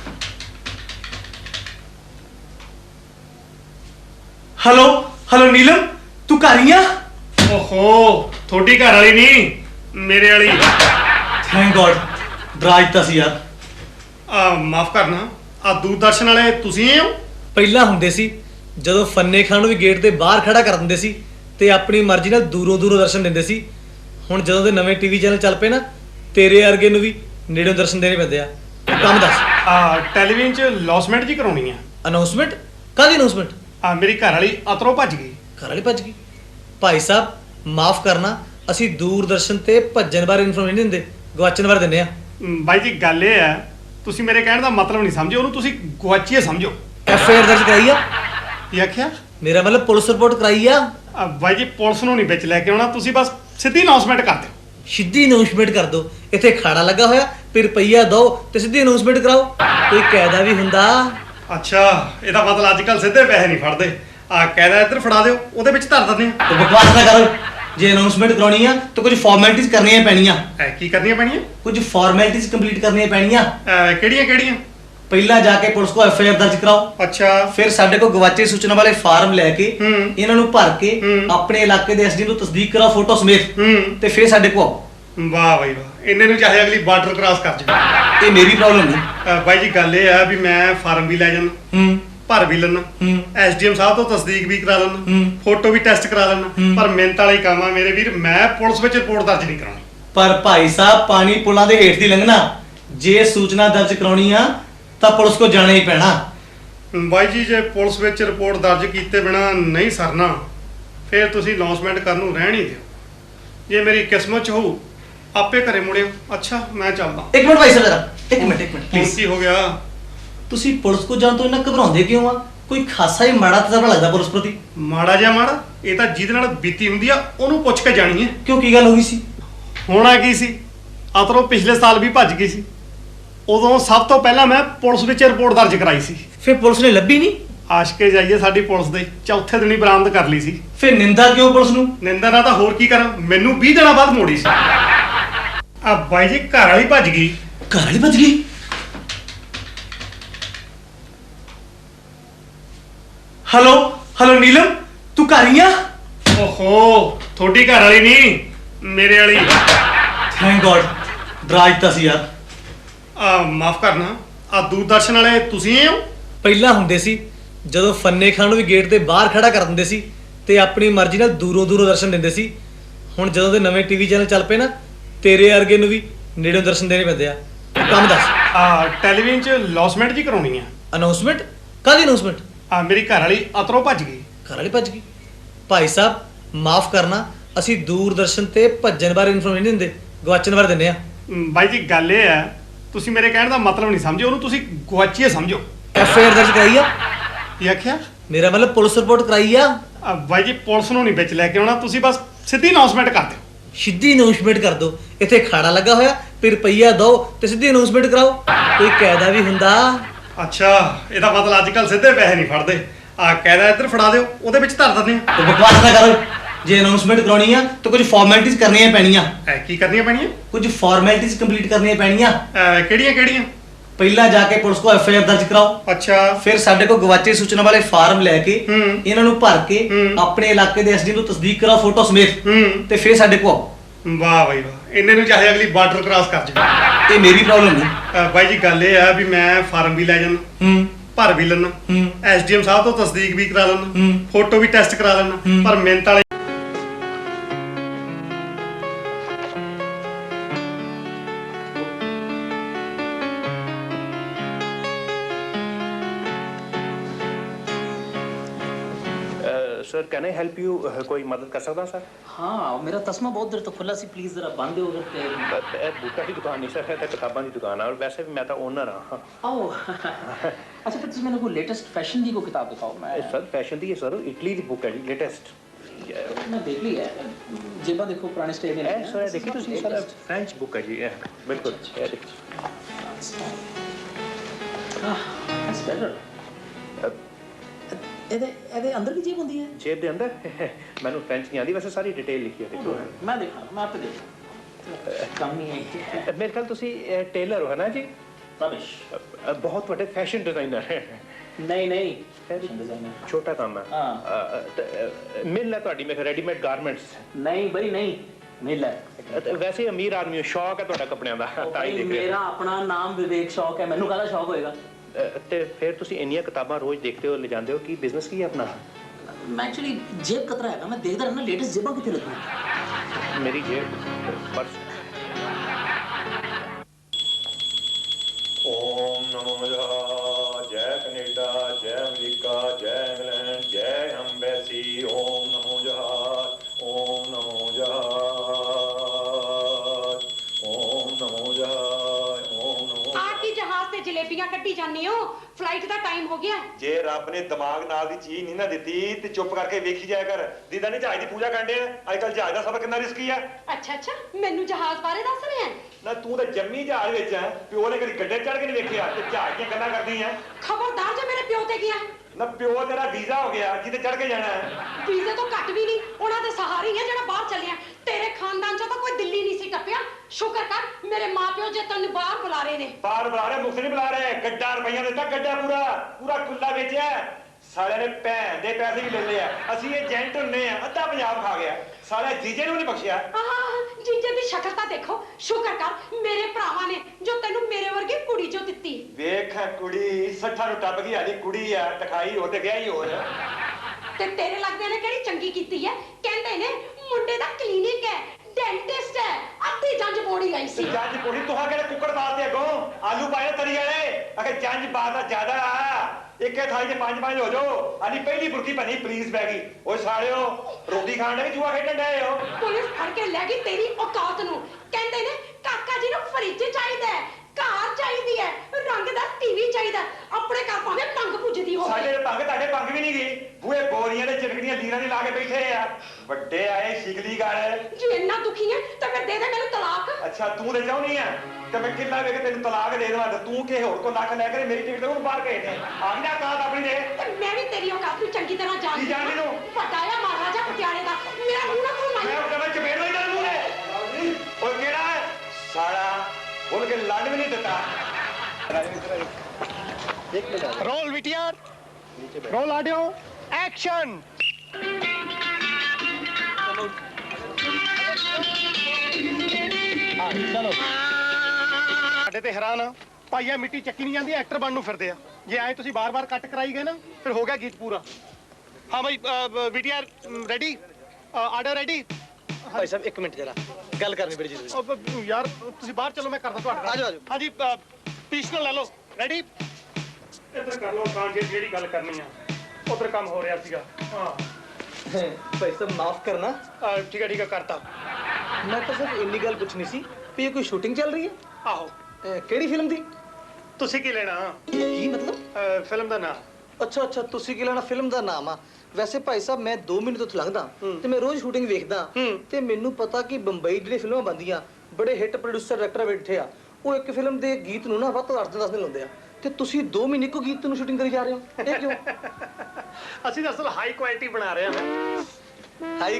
S2: ਹੈਲੋ ਨੀਲਮ, ਤੂੰ ਘਰ ਹੀ ਆ?
S1: ਓਹੋ, ਥੋੜੀ ਘਰ ਵਾਲੀ ਨਹੀਂ, ਮੇਰੇ ਵਾਲੀ।
S2: ਥੈਂਕ ਗॉड, ਡਰਾ ਦਿੱਤਾ ਸੀ ਯਾਰ।
S1: ਮਾਫ ਕਰਨਾ, ਆ ਦੂਰਦਰਸ਼ਨ ਵਾਲੇ ਤੁਸੀਂ ਹੋ?
S2: ਪਹਿਲਾਂ ਹੁੰਦੇ ਸੀ ਜਦੋਂ ਫੰਨੇ ਖਾਨ ਨੂੰ ਵੀ ਗੇਟ ਦੇ ਬਾਹਰ ਖੜਾ ਕਰ ਦਿੰਦੇ ਸੀ ਤੇ ਆਪਣੀ ਮਰਜ਼ੀ ਨਾਲ ਦੂਰੋਂ ਦਰਸ਼ਨ ਦਿੰਦੇ ਸੀ। ਹੁਣ ਜਦੋਂ ਦੇ ਨਵੇਂ ਟੀਵੀ ਚੈਨਲ ਚੱਲ ਪਏ ਨਾ, ਤੇਰੇ ਵਰਗੇ ਨੂੰ ਵੀ ਨੇੜੋਂ ਦਰਸ਼ਨ ਦੇਣੇ ਪੈਂਦੇ ਆ। ਕੰਮ ਦੱਸ।
S1: ਟੈਲੀਵਿਜ਼ਨ 'ਚ ਲੌਸਮੈਂਟ ਜੀ ਕਰਾਉਣੀ ਆ।
S2: ਅਨਾਉਂਸਮੈਂਟ? ਕਾਹਦੀ ਅਨਾਉਂਸਮੈਂਟ?
S1: ਮੇਰੀ ਘਰ ਵਾਲੀ ਅਤਰੋਂ ਭੱਜ ਗਈ।
S2: ਘਰ ਵਾਲੀ ਭੱਜ ਗਈ? ਭਾਈ ਸਾਹਿਬ ਮਾਫ ਕਰਨਾ, ਅਸੀਂ ਦੂਰਦਰਸ਼ਨ ਤੇ ਭੱਜਣ ਬਾਰੇ ਇਨਫੋਰਮੇਸ਼ਨ ਨਹੀਂ ਦਿੰਦੇ, ਗਵਾਚਣ ਬਾਰੇ ਦਿੰਦੇ ਆ।
S1: ਬਾਈ ਜੀ ਗੱਲ ਇਹ ਹੈ, ਤੁਸੀਂ ਮੇਰੇ ਕਹਿਣ ਦਾ ਮਤਲਬ ਨਹੀਂ ਸਮਝੇ, ਉਹਨੂੰ ਤੁਸੀਂ ਗੁਆਚੀਏ ਸਮਝੋ।
S2: ਐਫਆਈਆਰ ਦਰਜ ਕਰਾਈ ਆ?
S1: ਕੀ ਆਖਿਆ?
S2: ਮੇਰਾ ਮਤਲਬ ਪੁਲਿਸ ਰਿਪੋਰਟ ਕਰਾਈ ਆ।
S1: ਬਾਈ ਜੀ ਪੁਲਿਸ ਨੂੰ ਨਹੀਂ ਵਿੱਚ ਲੈ ਕੇ ਆਉਣਾ, ਤੁਸੀਂ ਬਸ ਸਿੱਧੀ ਅਨਾਉਂਸਮੈਂਟ ਕਰ ਦਿਓ।
S2: ਸਿੱਧੀ ਅਨਾਉਂਸਮੈਂਟ ਕਰ ਦੋ। ਇੱਥੇ ਖਾੜਾ ਲੱਗਾ ਹੋਇਆ, ਫਿਰ ਰੁਪਈਆ ਦੋ ਤੇ ਸਿੱਧੀ ਅਨਾਉਂਸਮੈਂਟ ਕਰਾਓ। ਕੋਈ ਕਾਇਦਾ ਵੀ ਹੁੰਦਾ।
S1: ਅੱਛਾ, ਇਹਦਾ ਮਤਲਬ ਅੱਜ ਕੱਲ ਸਿੱਧੇ ਪੈਸੇ ਨਹੀਂ ਫੜਦੇ। ਕਾਇਦਾ ਇੱਧਰ ਫੜਾ ਦਿਓ, ਉਹਦੇ ਵਿੱਚ ਧਰ ਦਿੰਦੇ ਆ।
S2: ਤੇ ਬਕਵਾਸ ਨਾ ਕਰੋ। ਜੇ ਅਨਾਉਂਸਮੈਂਟ ਕਰਾਉਣੀ ਆ ਤਾਂ ਕੁਝ ਫਾਰਮੈਲਿਟੀਜ਼ ਕਰਨੀਆਂ ਪੈਣੀਆਂ।
S1: ਕੀ ਕਰਨੀਆਂ ਪੈਣੀਆਂ?
S2: ਕੁਝ ਫਾਰਮੈਲਿਟੀਜ਼ ਕੰਪਲੀਟ ਕਰਨੀਆਂ ਪੈਣੀਆਂ।
S1: ਕਿਹੜੀਆਂ?
S2: ਪਹਿਲਾਂ ਜਾ ਕੇ ਪੁਲਿਸ ਕੋ ਐਫਆਈਆਰ ਦਰਜ ਕਰਾਓ।
S1: ਅੱਛਾ।
S2: ਫਿਰ ਸਾਡੇ ਕੋਲ ਗਵਾਚੇ ਸੂਚਨਾ ਵਾਲੇ ਫਾਰਮ ਲੈ ਕੇ ਇਹਨਾਂ ਨੂੰ ਭਰ ਕੇ
S1: ਹੂੰ।
S2: ਆਪਣੇ ਇਲਾਕੇ ਦੇ ਐਸਡੀ ਨੂੰ ਤਸਦੀਕ ਕਰਾਓ ਫੋਟੋ ਸਮੇਤ। ਤੇ ਫਿਰ ਸਾਡੇ ਕੋਲ
S1: ਵਾਹ ਬਾਈ ਵਾਹ, ਇੰਨੇ ਨੂੰ ਚਾਹੇ ਅਗਲੀ ਬਾਰਡਰ ਕ੍ਰਾਸ ਕਰ ਜਾਵੇ।
S2: ਇਹ ਮੇਰੀ ਪ੍ਰੋਬਲਮ ਨਹੀਂ।
S1: ਬਾਈ ਜੀ ਗੱਲ ਇਹ ਆ ਵੀ ਮੈਂ ਫਾਰਮ ਵੀ ਲੈ ਜਾਣਾ,
S2: ਹੂੰ
S1: ਭਰ ਵੀ ਲੈਣਾ,
S2: ਹੂੰ
S1: ਐਸਡੀਐਮ ਸਾਹਿਬ ਤੋਂ ਤਸਦੀਕ ਵੀ ਕਰਾ ਲੈਣਾ,
S2: ਹੂੰ।
S1: ਫੋਟੋ ਵੀ ਟੈਸਟ ਕਰਾ ਲੈਣਾ,
S2: ਹੂੰ।
S1: ਪਰ ਮਿਹਨਤ ਵਾਲਾ ਹੀ ਕੰਮ ਆ ਮੇਰੇ ਵੀਰ, ਮੈਂ ਪੁਲਿਸ ਵਿੱਚ ਰਿਪੋਰਟ ਦਰਜ ਨਹੀਂ ਕਰਾਉਣੀ।
S2: ਪਰ ਭਾਈ ਸਾਹਿਬ ਪਾਣੀ ਪੁਲਾਂ ਦੇ ਹੇਠ ਦੀ ਲੰਘਣਾ, ਜੇ ਸੂਚਨਾ ਦਰਜ ਕਰਾਉਣੀ ਆ ਤਾਂ ਪੁਲਿਸ ਕੋ ਜਾਣਾ ਹੀ ਪੈਣਾ।
S1: ਬਾਈ ਜੀ ਜੇ ਪੁਲਿਸ ਵਿੱਚ ਰਿਪੋਰਟ ਦਰਜ ਕੀਤੇ ਬਿਨਾ ਨਹੀਂ ਸਰਨਾ, ਫਿਰ ਤੁਸੀਂ ਅਨਾਉਂਸਮੈਂਟ ਕਰਨ ਨੂੰ ਰਹਿਣ ਹੀ ਦਿਓ। ਜੇ ਮੇਰੀ ਕਿਸਮਤ ਚ ਹੋਊ ਆਪੇ ਘਰੇ ਮੁੜਿਓ। ਅੱਛਾ ਮੈਂ ਚੱਲਦਾ।
S2: ਇੱਕ ਮਿੰਟ ਭਾਈ ਸਾਹਿਬ ਜਰਾ, ਇੱਕ ਮਿੰਟ
S1: ਹੁਣ
S2: ਪਲੀਜ਼।
S1: ਕੀ ਹੋ ਗਿਆ?
S2: ਤੁਸੀਂ ਪੁਲਿਸ ਕੋ ਜਾਣ ਤੋਂ ਇੰਨਾ ਘਬਰਾਉਂਦੇ ਕਿਉਂ ਆ? ਕੋਈ ਖਾਸਾ ਹੀ ਮਾੜਾ ਤਜਰਬਾ ਲੱਗਦਾ ਪੁਲਿਸ ਪ੍ਰਤੀ।
S1: ਮਾੜਾ ਜਿਹਾ ਮਾੜਾ, ਇਹ ਤਾਂ ਜਿਹਦੇ ਨਾਲ ਬੀਤੀ ਹੁੰਦੀ ਆ ਉਹਨੂੰ ਪੁੱਛ ਕੇ ਜਾਣੀ ਹੈ।
S2: ਕਿਉਂ, ਕੀ ਗੱਲ ਹੋ ਗਈ ਸੀ?
S1: ਹੋਣਾ ਕੀ ਸੀ, ਅਤਰੋ ਪਿਛਲੇ ਸਾਲ ਵੀ ਭੱਜ ਗਈ ਸੀ। ਉਦੋਂ ਸਭ ਤੋਂ ਪਹਿਲਾਂ ਮੈਂ ਪੁਲਿਸ ਵਿੱਚ ਰਿਪੋਰਟ ਦਰਜ ਕਰਾਈ ਸੀ।
S2: ਫਿਰ ਪੁਲਿਸ ਨੇ ਲੱਭੀ ਨਹੀਂ?
S1: ਆਸ਼ਕੇ ਜਾਈਏ ਸਾਡੀ ਪੁਲਿਸ ਦੇ ਚੌਥੇ ਦਿਨ ਹੀ ਬਰਾਮਦ ਕਰ ਲਈ ਸੀ।
S2: ਫਿਰ ਨਿੰਦਾ ਕਿਉਂ ਪੁਲਿਸ ਨੂੰ?
S1: ਨਿੰਦਾ ਨਾ ਤਾਂ ਹੋਰ ਕੀ ਕਰਾਂ, ਮੈਨੂੰ 20 ਦਿਨਾਂ ਬਾਅਦ ਮੋੜੀ ਸੀ। ਆ ਬਾਈ ਜੀ ਘਰ ਵਾਲੀ ਭੱਜ ਗਈ।
S2: ਘਰ ਵਾਲੀ ਭੱਜ ਗਈ? ਹੈਲੋ ਹੈਲੋ ਨੀਲਮ, ਤੂੰ ਘਰ ਹੀ ਆ?
S1: ਓਹੋ ਤੁਹਾਡੀ ਘਰ ਵਾਲੀ ਨਹੀਂ, ਮੇਰੇ ਵਾਲੀ।
S2: ਥੈਂਕ ਗॉड, ਡਰਾ ਦਿੱਤਾ ਸੀ ਯਾਰ।
S1: ਮਾਫ ਕਰਨਾ, ਆ ਦੂਰਦਰਸ਼ਨ ਵਾਲੇ ਤੁਸੀਂ ਹੋ?
S2: ਪਹਿਲਾਂ ਹੁੰਦੇ ਸੀ ਜਦੋਂ ਫੰਨੇ ਖਾਨ ਨੂੰ ਵੀ ਗੇਟ ਦੇ ਬਾਹਰ ਖੜਾ ਕਰ ਦਿੰਦੇ ਸੀ ਤੇ ਆਪਣੀ ਮਰਜ਼ੀ ਨਾਲ ਦੂਰੋਂ ਦੂਰੋਂ ਦਰਸ਼ਨ ਦਿੰਦੇ ਸੀ। ਹੁਣ ਜਦੋਂ ਦੇ ਨਵੇਂ ਟੀਵੀ ਚੈਨਲ ਚੱਲ ਪਏ ਨਾ, ਤੇਰੇ ਵਰਗੇ ਨੂੰ ਵੀ ਨੇੜੋਂ ਦਰਸ਼ਨ ਦੇਣੇ ਪੈਂਦੇ ਆ। ਤੂੰ ਕੰਮ ਦੱਸ।
S1: ਟੈਲੀਵਿਜ਼ਨ 'ਚ ਲੌਸਮੈਂਟ ਜੀ ਕਰਾਉਣੀ ਆ।
S2: ਅਨਾਉਂਸਮੈਂਟ? ਕਾਹਦੀ ਅਨਾਉਂਸਮੈਂਟ?
S1: ਮੇਰੀ ਘਰ ਵਾਲੀ ਅਤਰੋਂ ਭੱਜ ਗਈ।
S2: ਘਰ ਵਾਲੀ ਭੱਜ ਗਈ? ਭਾਈ ਸਾਹਿਬ ਮਾਫ ਕਰਨਾ, ਅਸੀਂ ਦੂਰਦਰਸ਼ਨ ਤੇ ਭੱਜਣ ਬਾਰੇ ਇਨਫੋਰਮੇਸ਼ਨ ਨਹੀਂ ਦਿੰਦੇ, ਗਵਾਚਣ ਬਾਰੇ ਦਿੰਦੇ ਆ।
S1: ਬਾਈ ਜੀ ਗੱਲ ਇਹ ਹੈ, ਤੁਸੀਂ ਮੇਰੇ ਕਹਿਣ ਦਾ ਮਤਲਬ ਨਹੀਂ ਸਮਝੋ, ਉਹਨੂੰ ਤੁਸੀਂ ਗੁਆਚੀਏ ਸਮਝੋ।
S2: ਐਫਆਈਆਰ ਦਰਜ ਕਰਾਈ ਆ?
S1: ਕੀ ਆਖਿਆ?
S2: ਮੇਰਾ ਮਤਲਬ ਪੁਲਿਸ ਰਿਪੋਰਟ ਕਰਾਈ ਆ।
S1: ਬਾਈ ਜੀ ਪੁਲਿਸ ਨੂੰ ਨਹੀਂ ਵਿੱਚ ਲੈ ਕੇ ਆਉਣਾ, ਤੁਸੀਂ ਬਸ ਸਿੱਧੀ ਅਨਾਉਂਸਮੈਂਟ ਕਰ ਦਿਓ।
S2: ਸਿੱਧੀ ਅਨਾਉਂਸਮੈਂਟ ਕਰ ਦੋ। ਇੱਥੇ ਖਾੜਾ ਲੱਗਾ ਹੋਇਆ, ਫਿਰ ਰੁਪਈਆ ਦੋ ਤੇ ਸਿੱਧੀ ਅਨਾਉਂਸਮੈਂਟ ਕਰਾਓ। ਕੋਈ ਕਾਇਦਾ ਵੀ ਹੁੰਦਾ।
S1: ਅੱਛਾ ਇਹਦਾ ਮਤਲਬ ਅੱਜ ਕੱਲ ਸਿੱਧੇ ਪੈਸੇ ਨਹੀਂ ਫੜਦੇ। ਕਾਇਦਾ ਇੱਧਰ ਫੜਾ ਦਿਓ, ਉਹਦੇ ਵਿੱਚ ਧਰ ਦਿੰਦੇ ਆ।
S2: ਤੇ ਬਕਵਾਸ ਨਾ ਕਰੋ। ਜੇ ਅਨਾਉਂਸਮੈਂਟ ਕਰਾਉਣੀ ਆ ਤਾਂ ਕੁਝ ਫਾਰਮੈਲਿਟੀਜ਼ ਕਰਨੀਆਂ ਪੈਣੀਆਂ।
S1: ਕੀ ਕਰਨੀਆਂ ਪੈਣੀਆਂ?
S2: ਕੁਝ ਫਾਰਮੈਲਿਟੀਜ਼ ਕੰਪਲੀਟ ਕਰਨੀਆਂ ਪੈਣੀਆਂ।
S1: ਕਿਹੜੀਆਂ ਕਿਹੜੀਆਂ?
S2: ਪਹਿਲਾਂ ਜਾ ਕੇ ਪੁਲਿਸ ਕੋ ਐਫਆਈਆਰ ਦਰਜ ਕਰਾਓ।
S1: ਅੱਛਾ
S2: ਫਿਰ ਸਾਡੇ ਕੋਲ ਗਵਾਚੇ ਸੂਚਨਾ ਵਾਲੇ ਫਾਰਮ ਲੈ ਕੇ
S1: ਹੂੰ।
S2: ਇਹਨਾਂ ਨੂੰ ਭਰ ਕੇ
S1: ਹੂੰ।
S2: ਆਪਣੇ ਇਲਾਕੇ ਦੇ ਐਸਡੀਐਮ ਤੋਂ ਤਸਦੀਕ ਕਰਾਓ ਫੋਟੋ ਸਮੇਤ,
S1: ਹੂੰ।
S2: ਤੇ ਫਿਰ ਸਾਡੇ ਕੋਲ ਆਓ।
S1: ਵਾਹ ਬਾਈ ਵਾਹ, ਇੰਨੇ ਨੂੰ ਚਾਹੇ ਅਗਲੀ ਬਾਰਡਰ ਕ੍ਰਾਸ ਕਰ ਜਾਵੇ।
S2: ਇਹ ਮੇਰੀ ਪ੍ਰੋਬਲਮ ਨਹੀਂ।
S1: ਬਾਈ ਜੀ ਗੱਲ ਇਹ ਆ ਵੀ ਮੈਂ ਫਾਰਮ ਵੀ ਲੈ ਜਾਣਾ,
S2: ਹੂੰ
S1: ਭਰ ਵੀ ਲੈਣਾ,
S2: ਹੂੰ
S1: ਐਸਡੀਐਮ ਸਾਹਿਬ ਤੋਂ ਤਸਦੀਕ ਵੀ ਕਰਾ ਲੈਣਾ,
S2: ਹੂੰ।
S1: ਫੋਟੋ ਵੀ ਟੈਸਟ ਕਰਾ ਲੈਣਾ,
S2: ਹੂੰ।
S1: ਪਰ ਮਿਹਨਤ ਵਾਲੇ
S5: sir can I help you? कोई मदद कर सकता सर?
S6: हाँ मेरा तस्मा बहुत देर तो खुला सी प्लीज़ ज़रा बंद हो गए
S5: ਇਹ ਬੂਟਾ ਦੀ ਦੁਕਾਨ ਨਹੀਂ ਸਰ, ਇਹ ਤਾਂ ਕਿਤਾਬਾਂ ਦੀ ਦੁਕਾਨ ਆ, ਔਰ ਵੈਸੇ ਵੀ ਮੈਂ ਤਾਂ ਓਨਰ ਹਾਂ।
S6: आओ अच्छा फिर तुम मैंने कोई लेटेस्ट फैशन की कोई किताब दिखाओ मैं
S5: ਸਰ ਫੈਸ਼ਨ ਦੀ ਹੈ ਸਰ, ਇਟਲੀ ਦੀ ਬੁੱਕ ਹੈ ਜੀ, ਲੇਟੈਸਟ।
S6: मैं देख ली है जेबा देखो पुराने स्टाइल में
S5: ਇਹ ਸਰ ਦੇਖੀ ਤੁਸੀਂ ਸਰ, ਫ੍ਰੈਂਚ ਬੁੱਕ ਹੈ ਜੀ, ਇਹ ਬਿਲਕੁਲ ਇਹ ਦੇਖੋ।
S6: that's better ਇਹਦੇ ਅੰਦਰ ਵੀ ਜੇਬ ਹੁੰਦੀ ਹੈ?
S5: ਜੇਬ ਦੇ ਅੰਦਰ ਮੈਨੂੰ ਫ੍ਰੈਂਚ ਨਹੀਂ ਆਉਂਦੀ, ਵੈਸੇ ਸਾਰੀ ਡਿਟੇਲ ਲਿਖੀ ਹੈ ਦੇਖੋ।
S6: मैं देखा मैं आपको देखा कम नहीं है
S5: ਮੇਰੇ ਖਿਆਲ ਤੁਸੀਂ ਟੇਲਰ ਹੋ ਹੈ ਨਾ ਜੀ?
S6: रबिश
S5: ਬਹੁਤ ਵੱਡੇ ਫੈਸ਼ਨ ਡਿਜ਼ਾਈਨਰ ਹੈ।
S6: नहीं नहीं फैशन डिजाइनर
S5: ਛੋਟਾ ਕੰਮ ਹੈ।
S6: हाँ
S5: ਮਿਲ ਲੈ ਤੁਹਾਡੀ ਮੇਰੇ ਰੈਡੀਮੇਡ ਗਾਰਮੈਂਟਸ।
S6: नहीं भाई नहीं मिल है
S5: ਵੈਸੇ ਅਮੀਰ ਆਦਮੀ ਹੋ, ਸ਼ੌਕ ਹੈ ਤੁਹਾਡਾ ਕੱਪੜਿਆਂ ਦਾ, ਤਾਂ ਹੀ
S6: भाई
S5: ਦੇਖ ਰਿਹਾ।
S6: मेरा अपना नाम विवेक शौक है मैनू काहदा शौक होएगा
S5: ਤੇ ਫਿਰ ਤੁਸੀਂ ਇੰਨੀਆਂ ਕਿਤਾਬਾਂ ਰੋਜ਼ ਦੇਖਦੇ ਹੋ, ਲਿਜਾਂਦੇ ਹੋ, ਕੀ ਬਿਜ਼ਨਸ ਕੀ ਹੈ ਆਪਣਾ?
S6: मैं एक्चुअली जेब कतरा है मैं देखता रहना लेटेस्ट जेबा कितने लगती
S5: ਮੇਰੀ ਜੇਬ ਪਰਸ। ਓਮ ਨਮੋ ਜੈ ਕੈਨੇਡਾ, ਜੈ ਅਮਰੀਕਾ, ਜੈ ਇੰਗਲੈਂਡ, ਜੈ ਅੰਬੈਸੀ। ਓਮ ਨਮੋ ਜਹਾਰ, ਓਮ ਨਮੋ ਜਹਾਰ, ਓਮ ਨਮੋ ਜਹਾਰ, ਓਮ ਨਮੋ।
S7: ਆ ਕੀ ਜਹਾਜ਼ ਤੇ ਜਲੇਬੀਆਂ ਕੱਢੀ ਜਾਂਦੇ ਹੋ? ਫਲਾਈਟ ਦਾ ਟਾਈਮ ਹੋ ਗਿਆ।
S4: ਜੇ ਰੱਬ ਨੇ ਦਿਮਾਗ ਨਾਲ ਦੀ ਚੀਜ਼ ਨਹੀਂ ਨਾ ਦਿੱਤੀ ਤੇ ਚੁੱਪ ਕਰਕੇ ਵੇਖੀ ਜਾਇਆ ਕਰ। ਦੀਦਾ ਨਹੀਂ ਜਹਾਜ਼ ਦੀ ਪੂਜਾ ਕਰਦੇ ਆ, ਅੱਜ ਕੱਲ ਜਹਾਜ਼ ਦਾ ਸਫ਼ਰ ਕਿੰਨਾ ਰਿਸਕੀ ਆ।
S7: ਅੱਛਾ ਅੱਛਾ ਮੈਨੂੰ ਜਹਾਜ਼ ਬਾਰੇ ਦੱਸ ਰਹੇ ਆ।
S4: ਨਾ ਤੂੰ ਤਾਂ ਜੰਮੀ ਜਹਾਜ਼ ਵਿੱਚ ਆ, ਪਿਓ ਨੇ ਕਦੀ ਗੱਡੇ ਚੜ੍ਹ ਕੇ ਨਹੀਂ ਵੇਖਿਆ ਤੇ ਜਹਾਜ਼ ਦੀਆਂ ਗੱਲਾਂ ਕਰਦੀ ਆ।
S7: ਖਬਰਦਾਰ ਜੇ ਮੇਰੇ ਪਿਓ ਤੇ ਗਿਆ।
S4: ਨਾ ਪਿਓ ਤੇਰਾ ਵੀਜ਼ਾ ਹੋ ਗਿਆ ਜਿਹਦੇ ਚੜ੍ਹ ਕੇ ਜਾਣਾ ਹੈ।
S7: ਵੀਜ਼ੇ ਤੋਂ ਘੱਟ ਵੀ ਨਹੀਂ, ਉਹਨਾਂ ਦੇ ਸਹਾਰੇ ਹੀ ਆ ਜਿਹੜਾ ਬਾਹਰ ਚੱਲਿਆ। ਤੇਰੇ ਖਾਨਦਾਨ ਚੋਂ ਤਾਂ ਕੋਈ ਦਿੱਲੀ ਨਹੀਂ ਸੀ ਟੱਪਿਆ। ਸ਼ੁਕਰ ਕਰ ਮੇਰੇ ਮਾਪਿਓ ਜੇ ਤੈਨੂੰ ਬਾਹਰ ਬੁਲਾ ਰਹੇ ਨੇ।
S4: ਬਾਹਰ ਬੁਲਾ ਰਹੇ, ਮੁਫਤ ਨਹੀਂ ਬੁਲਾ ਰਹੇ। ਗੱਡਾ ਰੁਪਈਆ ਦਿੱਤਾ, ਗੱਡਾ ਪੂਰਾ ਪੂਰਾ ਖੁੱਲਾ ਵੇਚਿਆ। ਸਾਲਿਆਂ ਨੇ ਭੈਣ ਦੇ ਪੈਸੇ ਵੀ ਲੈ ਲਏ ਆ। ਅਸੀਂ ਏਜੰਟ ਹੁੰਨੇ ਆ, ਅੱਧਾ ਪੰਜਾਬ ਖਾ ਗਿਆ। ਸਾਲਿਆ ਜੀਜੇ ਨੂੰ ਨਹੀਂ ਬਖਸ਼ਿਆ।
S7: ਆਹ ਜੀਜੇ ਦੀ ਸ਼ਕਲ ਤਾਂ ਦੇਖੋ, ਸ਼ੁਕਰ ਕਰ ਮੇਰੇ ਭਰਾਵਾਂ ਨੇ ਜੋ ਤੈਨੂੰ ਮੇਰੇ ਵਰਗੀ ਕੁੜੀ ਜੋ ਦਿੱਤੀ।
S4: ਵੇਖ ਕੁੜੀ 60 ਨੂੰ ਟੱਪ ਗਈ, ਹਾਲੀ ਕੁੜੀ ਆ, ਟਖਾਈ ਹੋ ਤੇ ਗਿਆ ਹੀ ਹੋਰ।
S7: ਤੇ ਤੇਰੇ ਲੱਗਦੇ ਨੇ ਕਿਹੜੀ ਚੰਗੀ ਕੀਤੀ ਹੈ? ਕਹਿੰਦੇ ਨੇ ਮੁੰਡੇ ਦਾ ਕਲੀਨਿਕ ਹੈ, ਡੈਂਟਿਸਟ ਹੈ, ਅੱਧੀ ਜੰਜ ਬੋੜੀ ਲਈ ਸੀ।
S4: ਜੰਜ ਕੁੜੀ ਤੁਹਾ ਕਿਹੜੇ ਕੁੱਕੜ ਬਾਤੇ ਅੱਗੋਂ ਆਲੂ ਪਾਏ ਤਰੀ ਵਾਲੇ। ਅਖੇ ਜੰਜ ਬਾਤ ਦਾ ਜ਼ਿਆਦਾ ਆ, ਇੱਕੇ ਥਾਲੀ 'ਚ ਪੰਜ ਹੋ ਜਾਓ। ਹਾਲੀ ਪਹਿਲੀ ਬੁਰਕੀ ਬਣੀ ਪਲੀਜ਼ ਪੈ ਗਈ। ਓਏ ਸਾਲਿਓ ਰੋਟੀ ਖਾਣ ਦੇ ਜੂਆ ਖੇਡਣ ਡਏ ਹੋ।
S7: ਪੁਲਿਸ ਫੜ ਕੇ ਲੈ ਗਈ ਤੇਰੀ ਔਕਾਤ ਨੂੰ। ਕਹਿੰਦੇ ਨੇ ਕਾਕਾ ਜੀ ਨੂੰ ਫਰਿੱਜ ਚਾਹੀਦਾ ਹੈ, ਕਾਰ ਚਾਹੀਦੀ ਹੈ, ਰੰਗਦਾਰ ਟੀਵੀ ਚਾਹੀਦਾ। ਆਪਣੇ ਘਰ ਭਾਵੇਂ ਭੰਗ ਪੁੱਜਦੀ ਹੋਵੇ।
S4: ਸਾਡੇ ਭੰਗ ਤੁਹਾਡੇ ਭੰਗ ਵੀ ਨਹੀਂ ਗਈ। ਬੂਹੇ ਬੋਰੀਆਂ ਦੇ ਚਿੜਕੜੀਆਂ ਲੀਰਾਂ ਦੀ ਲਾ ਕੇ ਬੈਠੇ ਆ। ਵੱਡੇ ਆਏ ਸ਼ਿਕਲੀ ਗਾਲ।
S7: ਜੇ ਇੰਨਾ ਦੁਖੀ ਹੈ ਤਾਂ ਫਿਰ ਦੇ ਦੇ ਮੈਨੂੰ ਤਲਾਕ।
S4: ਅੱਛਾ ਤੂੰ ਤੇ ਚਾਹੁੰਦੀ ਆ ਤੇ ਮੈਂ ਕਿੰਨਾ ਵੇਖ ਤੈਨੂੰ ਤਲਾਕ ਦੇ ਦੇਵਾਂ ਤੇ ਤੂੰ ਕਿਸੇ ਹੋਰ ਕੋ ਲੱਖ ਲੈ ਕੇ ਮੇਰੀ ਟਿਕਟ ਨੂੰ ਬਾਹਰ ਗਏ ਨੇ। ਆ ਗਿਆ ਕਾਤ ਆਪਣੀ ਦੇ।
S7: ਤੇ ਮੈਂ ਵੀ ਤੇਰੀ ਔਕਾਤ ਨੂੰ ਚੰਗੀ ਤਰ੍ਹਾਂ
S4: ਕੀ
S7: ਜਾਣਦੀ
S4: ਜਾਣਦੀ ਨੂੰ?
S7: ਵੱਡਾ ਆ ਮਹਾਰਾਜਾ ਪਟਿਆਲੇ ਦਾ। ਮੇਰਾ ਮੂੰਹ ਨਾ ਖੁਲਵਾਈ।
S4: ਮੈਂ ਉਹਦਾ ਚਪੇੜ ਹੋਈ ਤੇਰੇ ਮੂੰਹ ਤੇ। ਓਏ ਕਿਹੜਾ ਹੈ ਸਾਲਾ ਬੋਲ ਕੇ ਲੜ ਵੀ ਨਹੀਂ ਦਿੱਤਾ।
S1: Roll VTR, roll audio, action. चलो ਸਾਡੇ ਤੇ ਹੈਰਾਨ ਆ ਭਾਈਆ ਮਿੱਟੀ ਚੱਕੀ ਨਹੀਂ ਜਾਂਦੀ ਐਕਟਰ ਬਣਨ ਨੂੰ ਫਿਰਦੇ ਆ ਜੇ ਐ ਤੁਸੀਂ ਬਾਰ-ਬਾਰ ਕੱਟ ਕਰਾਈ ਗਏ ਨਾ ਫਿਰ ਹੋ ਗਿਆ ਗੀਤ ਪੂਰਾ ਹਾਂ ਭਾਈ ਵਿਟੀਆਰ ਰੈਡੀ ਆਰਡਰ ਰੈਡੀ
S2: ਭਾਈ ਸਾਹਿਬ 1 ਮਿੰਟ ਜਰਾ ਗੱਲ ਕਰਨੀ ਬੜੀ ਜ਼ਰੂਰੀ
S1: ਯਾਰ ਤੁਸੀਂ ਬਾਹਰ ਚਲੋ ਮੈਂ ਕਰਦਾ ਤੁਹਾਡੇ ਨਾਲ
S2: ਆਜੋ ਆਜੋ
S1: ਹਾਂਜੀ ਪੀਸਨਲ ਲੈ ਲਓ ਰੈਡੀ ਇੱਧਰ ਕਰ ਲਓ ਤਾਂ ਜਿਹੜੀ ਗੱਲ ਕਰਨੀ ਆ ਉਧਰ ਕੰਮ ਹੋ ਰਿਹਾ ਸੀਗਾ ਹਾਂ
S2: ਭਾਈ ਸਾਹਿਬ ਮਾਫ ਕਰਨਾ
S1: ਠੀਕ ਹੈ ਕਰਤਾ
S2: ਮੈਂ ਤਾਂ ਸਿਰਫ ਇੰਨੀ ਗੱਲ ਪੁੱਛਣੀ ਸੀ ਵੀ ਇਹ ਕੋਈ ਸ਼ੂਟਿੰਗ ਚੱਲ ਰਹੀ ਹੈ
S1: ਆਹੋ
S2: ਕਿਹੜੀ ਫਿਲਮ ਦੀ
S1: ਤੁਸੀਂ ਕੀ ਲੈਣਾ
S2: ਕੀ ਮਤਲਬ
S1: ਫਿਲਮ ਦਾ ਨਾਮ
S2: ਅੱਛਾ ਅੱਛਾ ਤੁਸੀਂ ਕੀ ਲੈਣਾ ਫਿਲਮ ਦਾ ਨਾਮ ਆ ਵੈਸੇ ਭਾਈ ਸਾਹਿਬ ਮੈਂ 2 ਮਹੀਨੇ ਤੋਂ ਲੰਘਦਾ ਤੇ ਮੈਂ ਰੋਜ਼ ਸ਼ੂਟਿੰਗ ਵੇਖਦਾ ਤੇ ਮੈਨੂੰ ਪਤਾ ਕਿ ਬੰਬਈ ਜਿਹੜੇ ਫਿਲਮਾਂ ਬਣਦੀਆਂ ਬੜੇ ਹਿੱਟ ਪ੍ਰੋਡਿਊਸਰ ਡਾਇਰੈਕਟਰ ਬੈਠੇ ਆ ਉਹ ਇੱਕ ਫਿਲਮ ਦੇ ਗੀਤ ਨੂੰ ਨਾ ਵੱਧ ਤੋਂ 8-10 ਦਿਨ ਲਾਉਂਦੇ ਆ ਤੇ ਤੁਸੀਂ 2 ਮਹੀਨੇ ਕੋ ਗੀਤ ਨੂੰ ਸ਼ੂਟਿੰਗ ਕਰੀ ਜਾ ਰਹੇ ਹੋ ਇਹ ਕਿਉਂ
S1: ਅਸੀਂ ਦਰਅਸਲ ਹਾਈ ਕੁਆਲਿਟੀ ਬਣਾ ਰਹੇ ਹਾਂ
S2: ਹਾਈ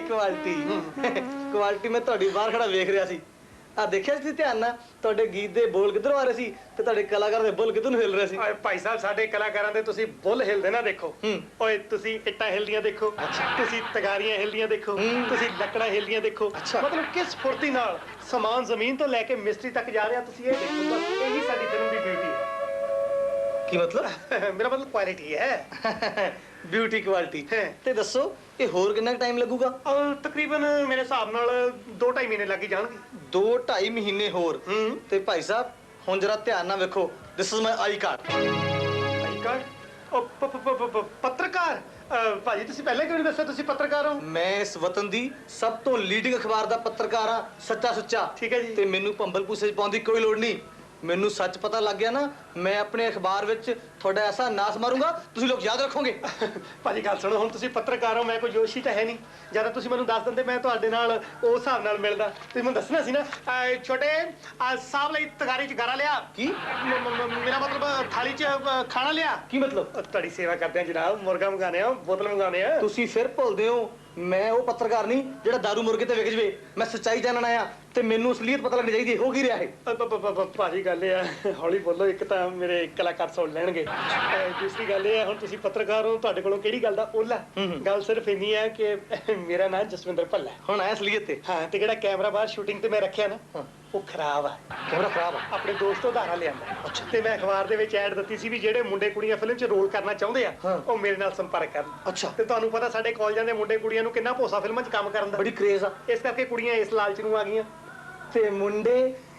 S2: ਕੁਆਲਿਟੀ ਮੈਂ ਤੁਹਾਡੀ ਬਾਹਰ ਖੜਾ ਵੇਖ ਰਿਹਾ ਸੀ ਆ ਦੇਖਿਆ ਸੀ ਧਿਆਨ ਨਾਲ ਤੁਹਾਡੇ ਗੀਤ ਦੇ ਬੋਲ ਕਿੱਧਰੋਂ ਆ ਰਹੇ ਸੀ ਤੇ ਤੁਹਾਡੇ ਕਲਾਕਾਰ ਦੇ ਬੋਲ ਕਿੱਧਰ ਨੂੰ ਹਿਲ ਰਹੇ ਸੀ
S1: ਓਏ ਭਾਈ ਸਾਹਿਬ ਸਾਡੇ ਕਲਾਕਾਰਾਂ ਦੇ ਤੁਸੀਂ ਬੁੱਲ ਹਿਲਦੇ ਨਾ ਦੇਖੋ ਓਏ ਤੁਸੀਂ ਇੱਟਾਂ ਹਿਲਦੀਆਂ ਦੇਖੋ ਤੁਸੀਂ ਤਗਾਰੀਆਂ ਹਿਲਦੀਆਂ ਦੇਖੋ ਤੁਸੀਂ ਲੱਕੜਾਂ ਹਿਲਦੀਆਂ ਦੇਖੋ ਮਤਲਬ ਕਿਸ ਫੁਰਤੀ ਨਾਲ ਸਮਾਨ ਜ਼ਮੀਨ ਤੋਂ ਲੈ ਕੇ ਮਿਸਤਰੀ ਤੱਕ ਜਾ ਰਿਹਾ ਤੁਸੀਂ ਇਹ ਦੇਖੋ ਬਸ ਇਹੀ ਸਾਡੀ ਫਿਲਮ ਦੀ ਬਿਊਟੀ ਹੈ
S2: ਕੀ ਮਤਲਬ
S1: ਮੇਰਾ ਮਤਲਬ ਕੁਆਲਿਟੀ ਹੈ
S2: ਬਿਊਟੀ ਕੁਆਲਿਟੀ ਤੇ ਦੱਸੋ ਇਹ ਹੋਰ ਕਿੰਨਾ ਟਾਈਮ ਲੱਗੂਗਾ
S1: ਤਕਰੀਬਨ ਮੇਰੇ ਹਿਸਾਬ ਨਾਲ 2-2.5 ਮਹੀਨੇ ਲੱਗ ਜਾਣਗੇ
S2: 2-2.5 ਮਹੀਨੇ ਹੋਰ ਤੇ ਭਾਈ ਸਾਹਿਬ ਹੁਣ ਜਰਾ ਧਿਆਨ ਨਾਲ ਵੇਖੋ this is my I card
S1: I card ਉਹ ਪੱਤਰਕਾਰ ਭਾਜੀ ਤੁਸੀਂ ਪਹਿਲਾਂ ਕਿਉਂ ਨਹੀਂ ਦੱਸਿਆ ਤੁਸੀਂ ਪੱਤਰਕਾਰ ਹੋ
S2: ਮੈਂ ਇਸ ਵਤਨ ਦੀ ਸਭ ਤੋਂ ਲੀਡਿੰਗ ਅਖਬਾਰ ਦਾ ਪੱਤਰਕਾਰ ਆ ਸੱਚਾ ਸੁੱਚਾ
S1: ਠੀਕ ਹੈ ਜੀ
S2: ਤੇ ਮੈਨੂੰ ਭੰਬਲ ਪੂਸੇ ਚ ਪਾਉਣ ਦੀ ਕੋਈ ਲੋੜ ਨਹੀਂ ਮੈਨੂੰ ਸੱਚ ਪਤਾ ਲੱਗ ਗਿਆ ਨਾ ਮੈਂ ਆਪਣੇ ਅਖਬਾਰ ਵਿੱਚ ਤੁਹਾਡਾ ਐਸਾ ਨਾਸ ਮਾਰੂੰਗਾ ਤੁਸੀਂ ਲੋਕ ਯਾਦ ਰੱਖੋਗੇ
S1: ਭਾਜੀ ਗੱਲ ਸੁਣੋ ਹੁਣ ਤੁਸੀਂ ਪੱਤਰਕਾਰ ਹੋ ਮੈਂ ਕੋਈ ਜੋਸ਼ੀ ਤਾਂ ਹੈ ਨਹੀਂ ਜਿਆਦਾ ਤੁਸੀਂ ਮੈਨੂੰ ਦੱਸ ਦਿੰਦੇ ਮੈਂ ਤੁਹਾਡੇ ਨਾਲ ਉਸ ਹਿਸਾਬ ਨਾਲ ਮਿਲਦਾ ਤੁਸੀਂ ਮੈਨੂੰ ਦੱਸਣਾ ਸੀ ਨਾ ਛੋਟੇ ਸਾਹਿਬ ਲਈ ਤਗਾਰੀ ਚ ਗਾਰਾ ਲਿਆ
S2: ਕੀ
S1: ਮੇਰਾ ਮਤਲਬ ਥਾਲੀ ਚ ਖਾਣਾ ਲਿਆ
S2: ਕੀ ਮਤਲਬ
S1: ਤੁਹਾਡੀ ਸੇਵਾ ਕਰਦੇ ਆ ਜਨਾਬ ਮੁਰਗਾ ਮੰਗਾਣੇ ਆ ਬੋਤਲ ਮੰਗਾਣੇ ਆ
S2: ਤੁਸੀਂ ਫਿਰ ਭੁੱਲਦੇ ਹੋ ਮੈਂ ਉਹ ਪੱਤਰਕਾਰ ਨਹੀਂ ਜਿਹੜਾ ਦਾਰੂ ਮੁਰਗੇ ਤੇ ਵਿਕ ਜਵੇ ਮੈਂ ਸੱਚਾਈ ਜਾਣਨ ਆਇਆ ਤੇ ਮੈਨੂੰ ਅਸਲੀਅਤ ਪਤਾ ਲੱਗਣੀ ਚਾਹੀਦੀ ਹੋ ਕੀ ਰਿਹਾ ਹੈ
S1: ਭਾਜੀ ਗੱਲ ਇਹ ਆ ਹੌਲੀ ਬੋਲੋ ਇੱਕ ਤਾਂ ਮੇਰੇ ਕਲਾਕਾਰ ਸੁਣ ਲੈਣਗੇ ਦੂਸਰੀ ਗੱਲ ਇਹ ਆ ਹੁਣ ਤੁਸੀਂ ਪੱਤਰਕਾਰ ਹੋ ਤੁਹਾਡੇ ਕੋਲੋਂ ਕਿਹੜੀ ਗੱਲ ਦਾ ਓਲਾ ਗੱਲ ਸਿਰਫ ਇੰਨੀ ਹੈ ਕਿ ਮੇਰਾ ਨਾਮ ਜਸਵਿੰਦਰ ਭੱਲਾ
S2: ਹੁਣ ਆਇਆ ਅਸਲੀਅਤ ਤੇ
S1: ਹਾਂ ਤੇ ਜਿਹੜਾ ਕੈਮਰਾ ਬਾਹਰ ਸ਼ੂਟਿੰਗ ਤੇ ਮੈਂ ਰੱਖਿਆ ਨਾ ਉਹ ਖਰਾਬ ਆ
S2: ਕੈਮਰਾ ਖਰਾਬ ਆ
S1: ਆਪਣੇ ਦੋਸਤ ਉਧਾਰਾ ਲਿਆਂਦਾ ਤੇ ਮੈਂ ਅਖਬਾਰ ਦੇ ਵਿੱਚ ਐਡ ਦਿੱਤੀ ਸੀ ਵੀ ਜਿਹੜੇ ਮੁੰਡੇ ਕੁੜੀਆਂ ਫਿਲਮ 'ਚ ਰੋਲ ਕਰਨਾ ਚਾਹੁੰਦੇ ਆ ਉਹ ਮੇਰੇ ਨਾਲ ਸੰਪਰਕ ਕਰਨ
S2: ਅੱਛਾ
S1: ਤੇ ਤੁਹਾਨੂੰ ਪਤਾ ਸਾਡੇ ਕਾਲਜਾਂ ਦੇ ਮੁੰਡੇ ਕੁੜੀਆਂ ਨੂੰ ਕਿੰਨਾ ਭੋਸਾ ਫਿਲਮਾਂ 'ਚ ਕੰਮ ਕਰਨ ਦਾ
S2: ਬੜੀ ਕ੍ਰੇਜ਼ ਆ
S1: ਇਸ ਕਰਕੇ ਕੁੜੀਆਂ ਇਸ ਲਾਲਚ ਨੂੰ ਆ ਗਈਆਂ
S2: ਤੇ ਮੁੰਡੇ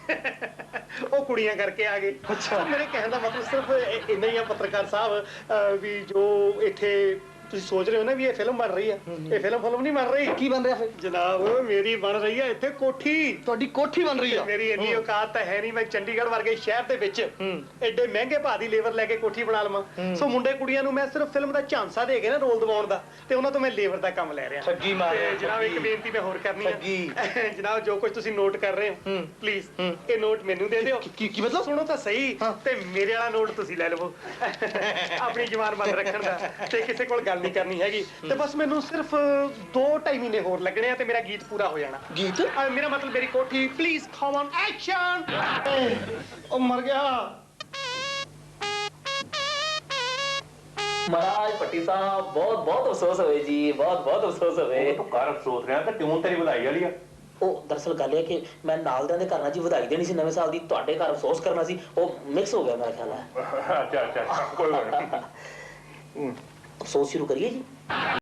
S1: ਉਹ ਕੁੜੀਆਂ ਕਰਕੇ ਆ ਗਏ ਅੱਛਾ ਮੇਰੇ ਕਹਿਣ ਦਾ ਮਤਲਬ ਸਿਰਫ ਇੰਨਾ ਹੀ ਆ ਪੱਤਰਕਾਰ ਸਾਹਿਬ ਵੀ ਜੋ ਇੱਥੇ ਤੁਸੀਂ ਸੋਚ ਰਹੇ ਹੋ ਨਾ ਵੀ ਇਹ ਫਿਲਮ ਬਣ ਰਹੀ ਆ ਇਹ ਫਿਲਮ ਨਹੀਂ ਬਣ ਰਹੀ
S2: ਕੀ ਬਣ ਰਿਹਾ ਫਿਰ
S1: ਜਨਾਬ ਮੇਰੀ ਬਣ ਰਹੀ ਆ ਇੱਥੇ ਕੋਠੀ
S2: ਤੁਹਾਡੀ ਕੋਠੀ ਬਣ ਰਹੀ ਆ
S1: ਮੇਰੀ ਇੰਨੀ ਔਕਾਤ ਤਾਂ ਹੈ ਨਹੀਂ ਮੈਂ ਚੰਡੀਗੜ੍ਹ ਵਰਗੇ ਸ਼ਹਿਰ ਦੇ ਵਿੱਚ ਐਡੇ ਮਹਿੰਗੇ ਭਾਅ ਦੀ ਲੇਬਰ ਲੈ ਕੇ ਕੋਠੀ ਬਣਾ ਲਵਾਂ ਸੋ ਮੁੰਡੇ ਕੁੜੀਆਂ ਨੂੰ ਮੈਂ ਸਿਰਫ ਫਿਲਮ ਦਾ ਝਾਂਸਾ ਦੇ ਕੇ ਨਾ ਰੋਲ ਦਿਵਾਉਣ ਦਾ ਤੇ ਉਹਨਾਂ ਤੋਂ ਮੈਂ ਲੇਬਰ ਦਾ ਕੰਮ ਲੈ ਰਿਹਾ
S2: ਠੱਗੀ ਮਾਰ
S1: ਤੇ ਜਨਾਬ ਇੱਕ ਬੇਨਤੀ ਮੈਂ ਹੋਰ ਕਰਨੀ ਹੈ ਜਨਾਬ ਜੋ ਕੁਝ ਤੁਸੀਂ ਨੋਟ ਕਰ ਰਹੇ ਹੋ ਪਲੀਜ਼ ਇਹ ਨੋਟ ਮੈਨੂੰ ਦੇ ਦਿਓ
S2: ਕੀ ਮਤਲਬ
S1: ਸੁਣੋ ਤਾਂ ਸਹੀ ਤੇ ਮੇਰੇ ਵਾਲਾ ਨੋਟ ਤੁਸੀਂ ਲੈ ਲਵੋ ਆਪਣੀ ਜ਼ੁਬਾਨ ਬੰਦ ਰੱਖਣ ਦਾ ਤੇ ਕਿਸੇ ਕੋਲ ਗੱਲ ਨਹੀਂ ਕਰਨੀ ਹੈਗੀ ਤੇ ਬਸ ਮੈਨੂੰ ਸਿਰਫ 2-2.5 ਮਹੀਨੇ ਹੋਰ ਲੱਗਣੇ ਆ ਤੇ ਮੇਰਾ ਗੀਤ ਪੂਰਾ ਹੋ ਜਾਣਾ
S2: ਗੀਤ
S1: ਮੇਰਾ ਮਤਲਬ ਮੇਰੀ ਕੋਠੀ ਪਲੀਜ਼ ਕਮ ਔਨ ਐਕਸ਼ਨ ਉਹ ਮਰ ਗਿਆ
S6: ਮਹਾਰਾਜ ਪੱਟੀ ਸਾਹਿਬ ਬਹੁਤ ਬਹੁਤ ਅਫਸੋਸ ਹੋਵੇ ਜੀ, ਬਹੁਤ ਬਹੁਤ ਅਫਸੋਸ ਹੋਵੇ।
S5: ਤੂੰ ਕਰ ਅਫਸੋਸ ਰਿਹਾ ਤੇ ਟਿਊਨ ਤੇਰੀ ਵਧਾਈ ਵਾਲੀ ਆ।
S6: ਉਹ ਦਰਅਸਲ ਗੱਲ ਇਹ ਕਿ ਮੈਂ ਨਾਲ ਦਿਆਂ ਦੇ ਘਰ ਨਾਲ ਜੀ ਵਧਾਈ ਦੇਣੀ ਸੀ ਨਵੇਂ ਸਾਲ ਦੀ, ਤੁਹਾਡੇ ਘਰ ਅਫਸੋਸ ਕਰਨਾ ਸੀ, ਉਹ ਮਿਕਸ ਹੋ ਗਿਆ ਮੇਰਾ ਖਿਆਲ ਹੈ।
S5: ਅੱਛਾ ਕੋਈ ਗੱਲ ਨਹੀਂ।
S6: ਅਫਸੋਸ ਸ਼ੁਰੂ ਕਰੀਏ ਜੀ।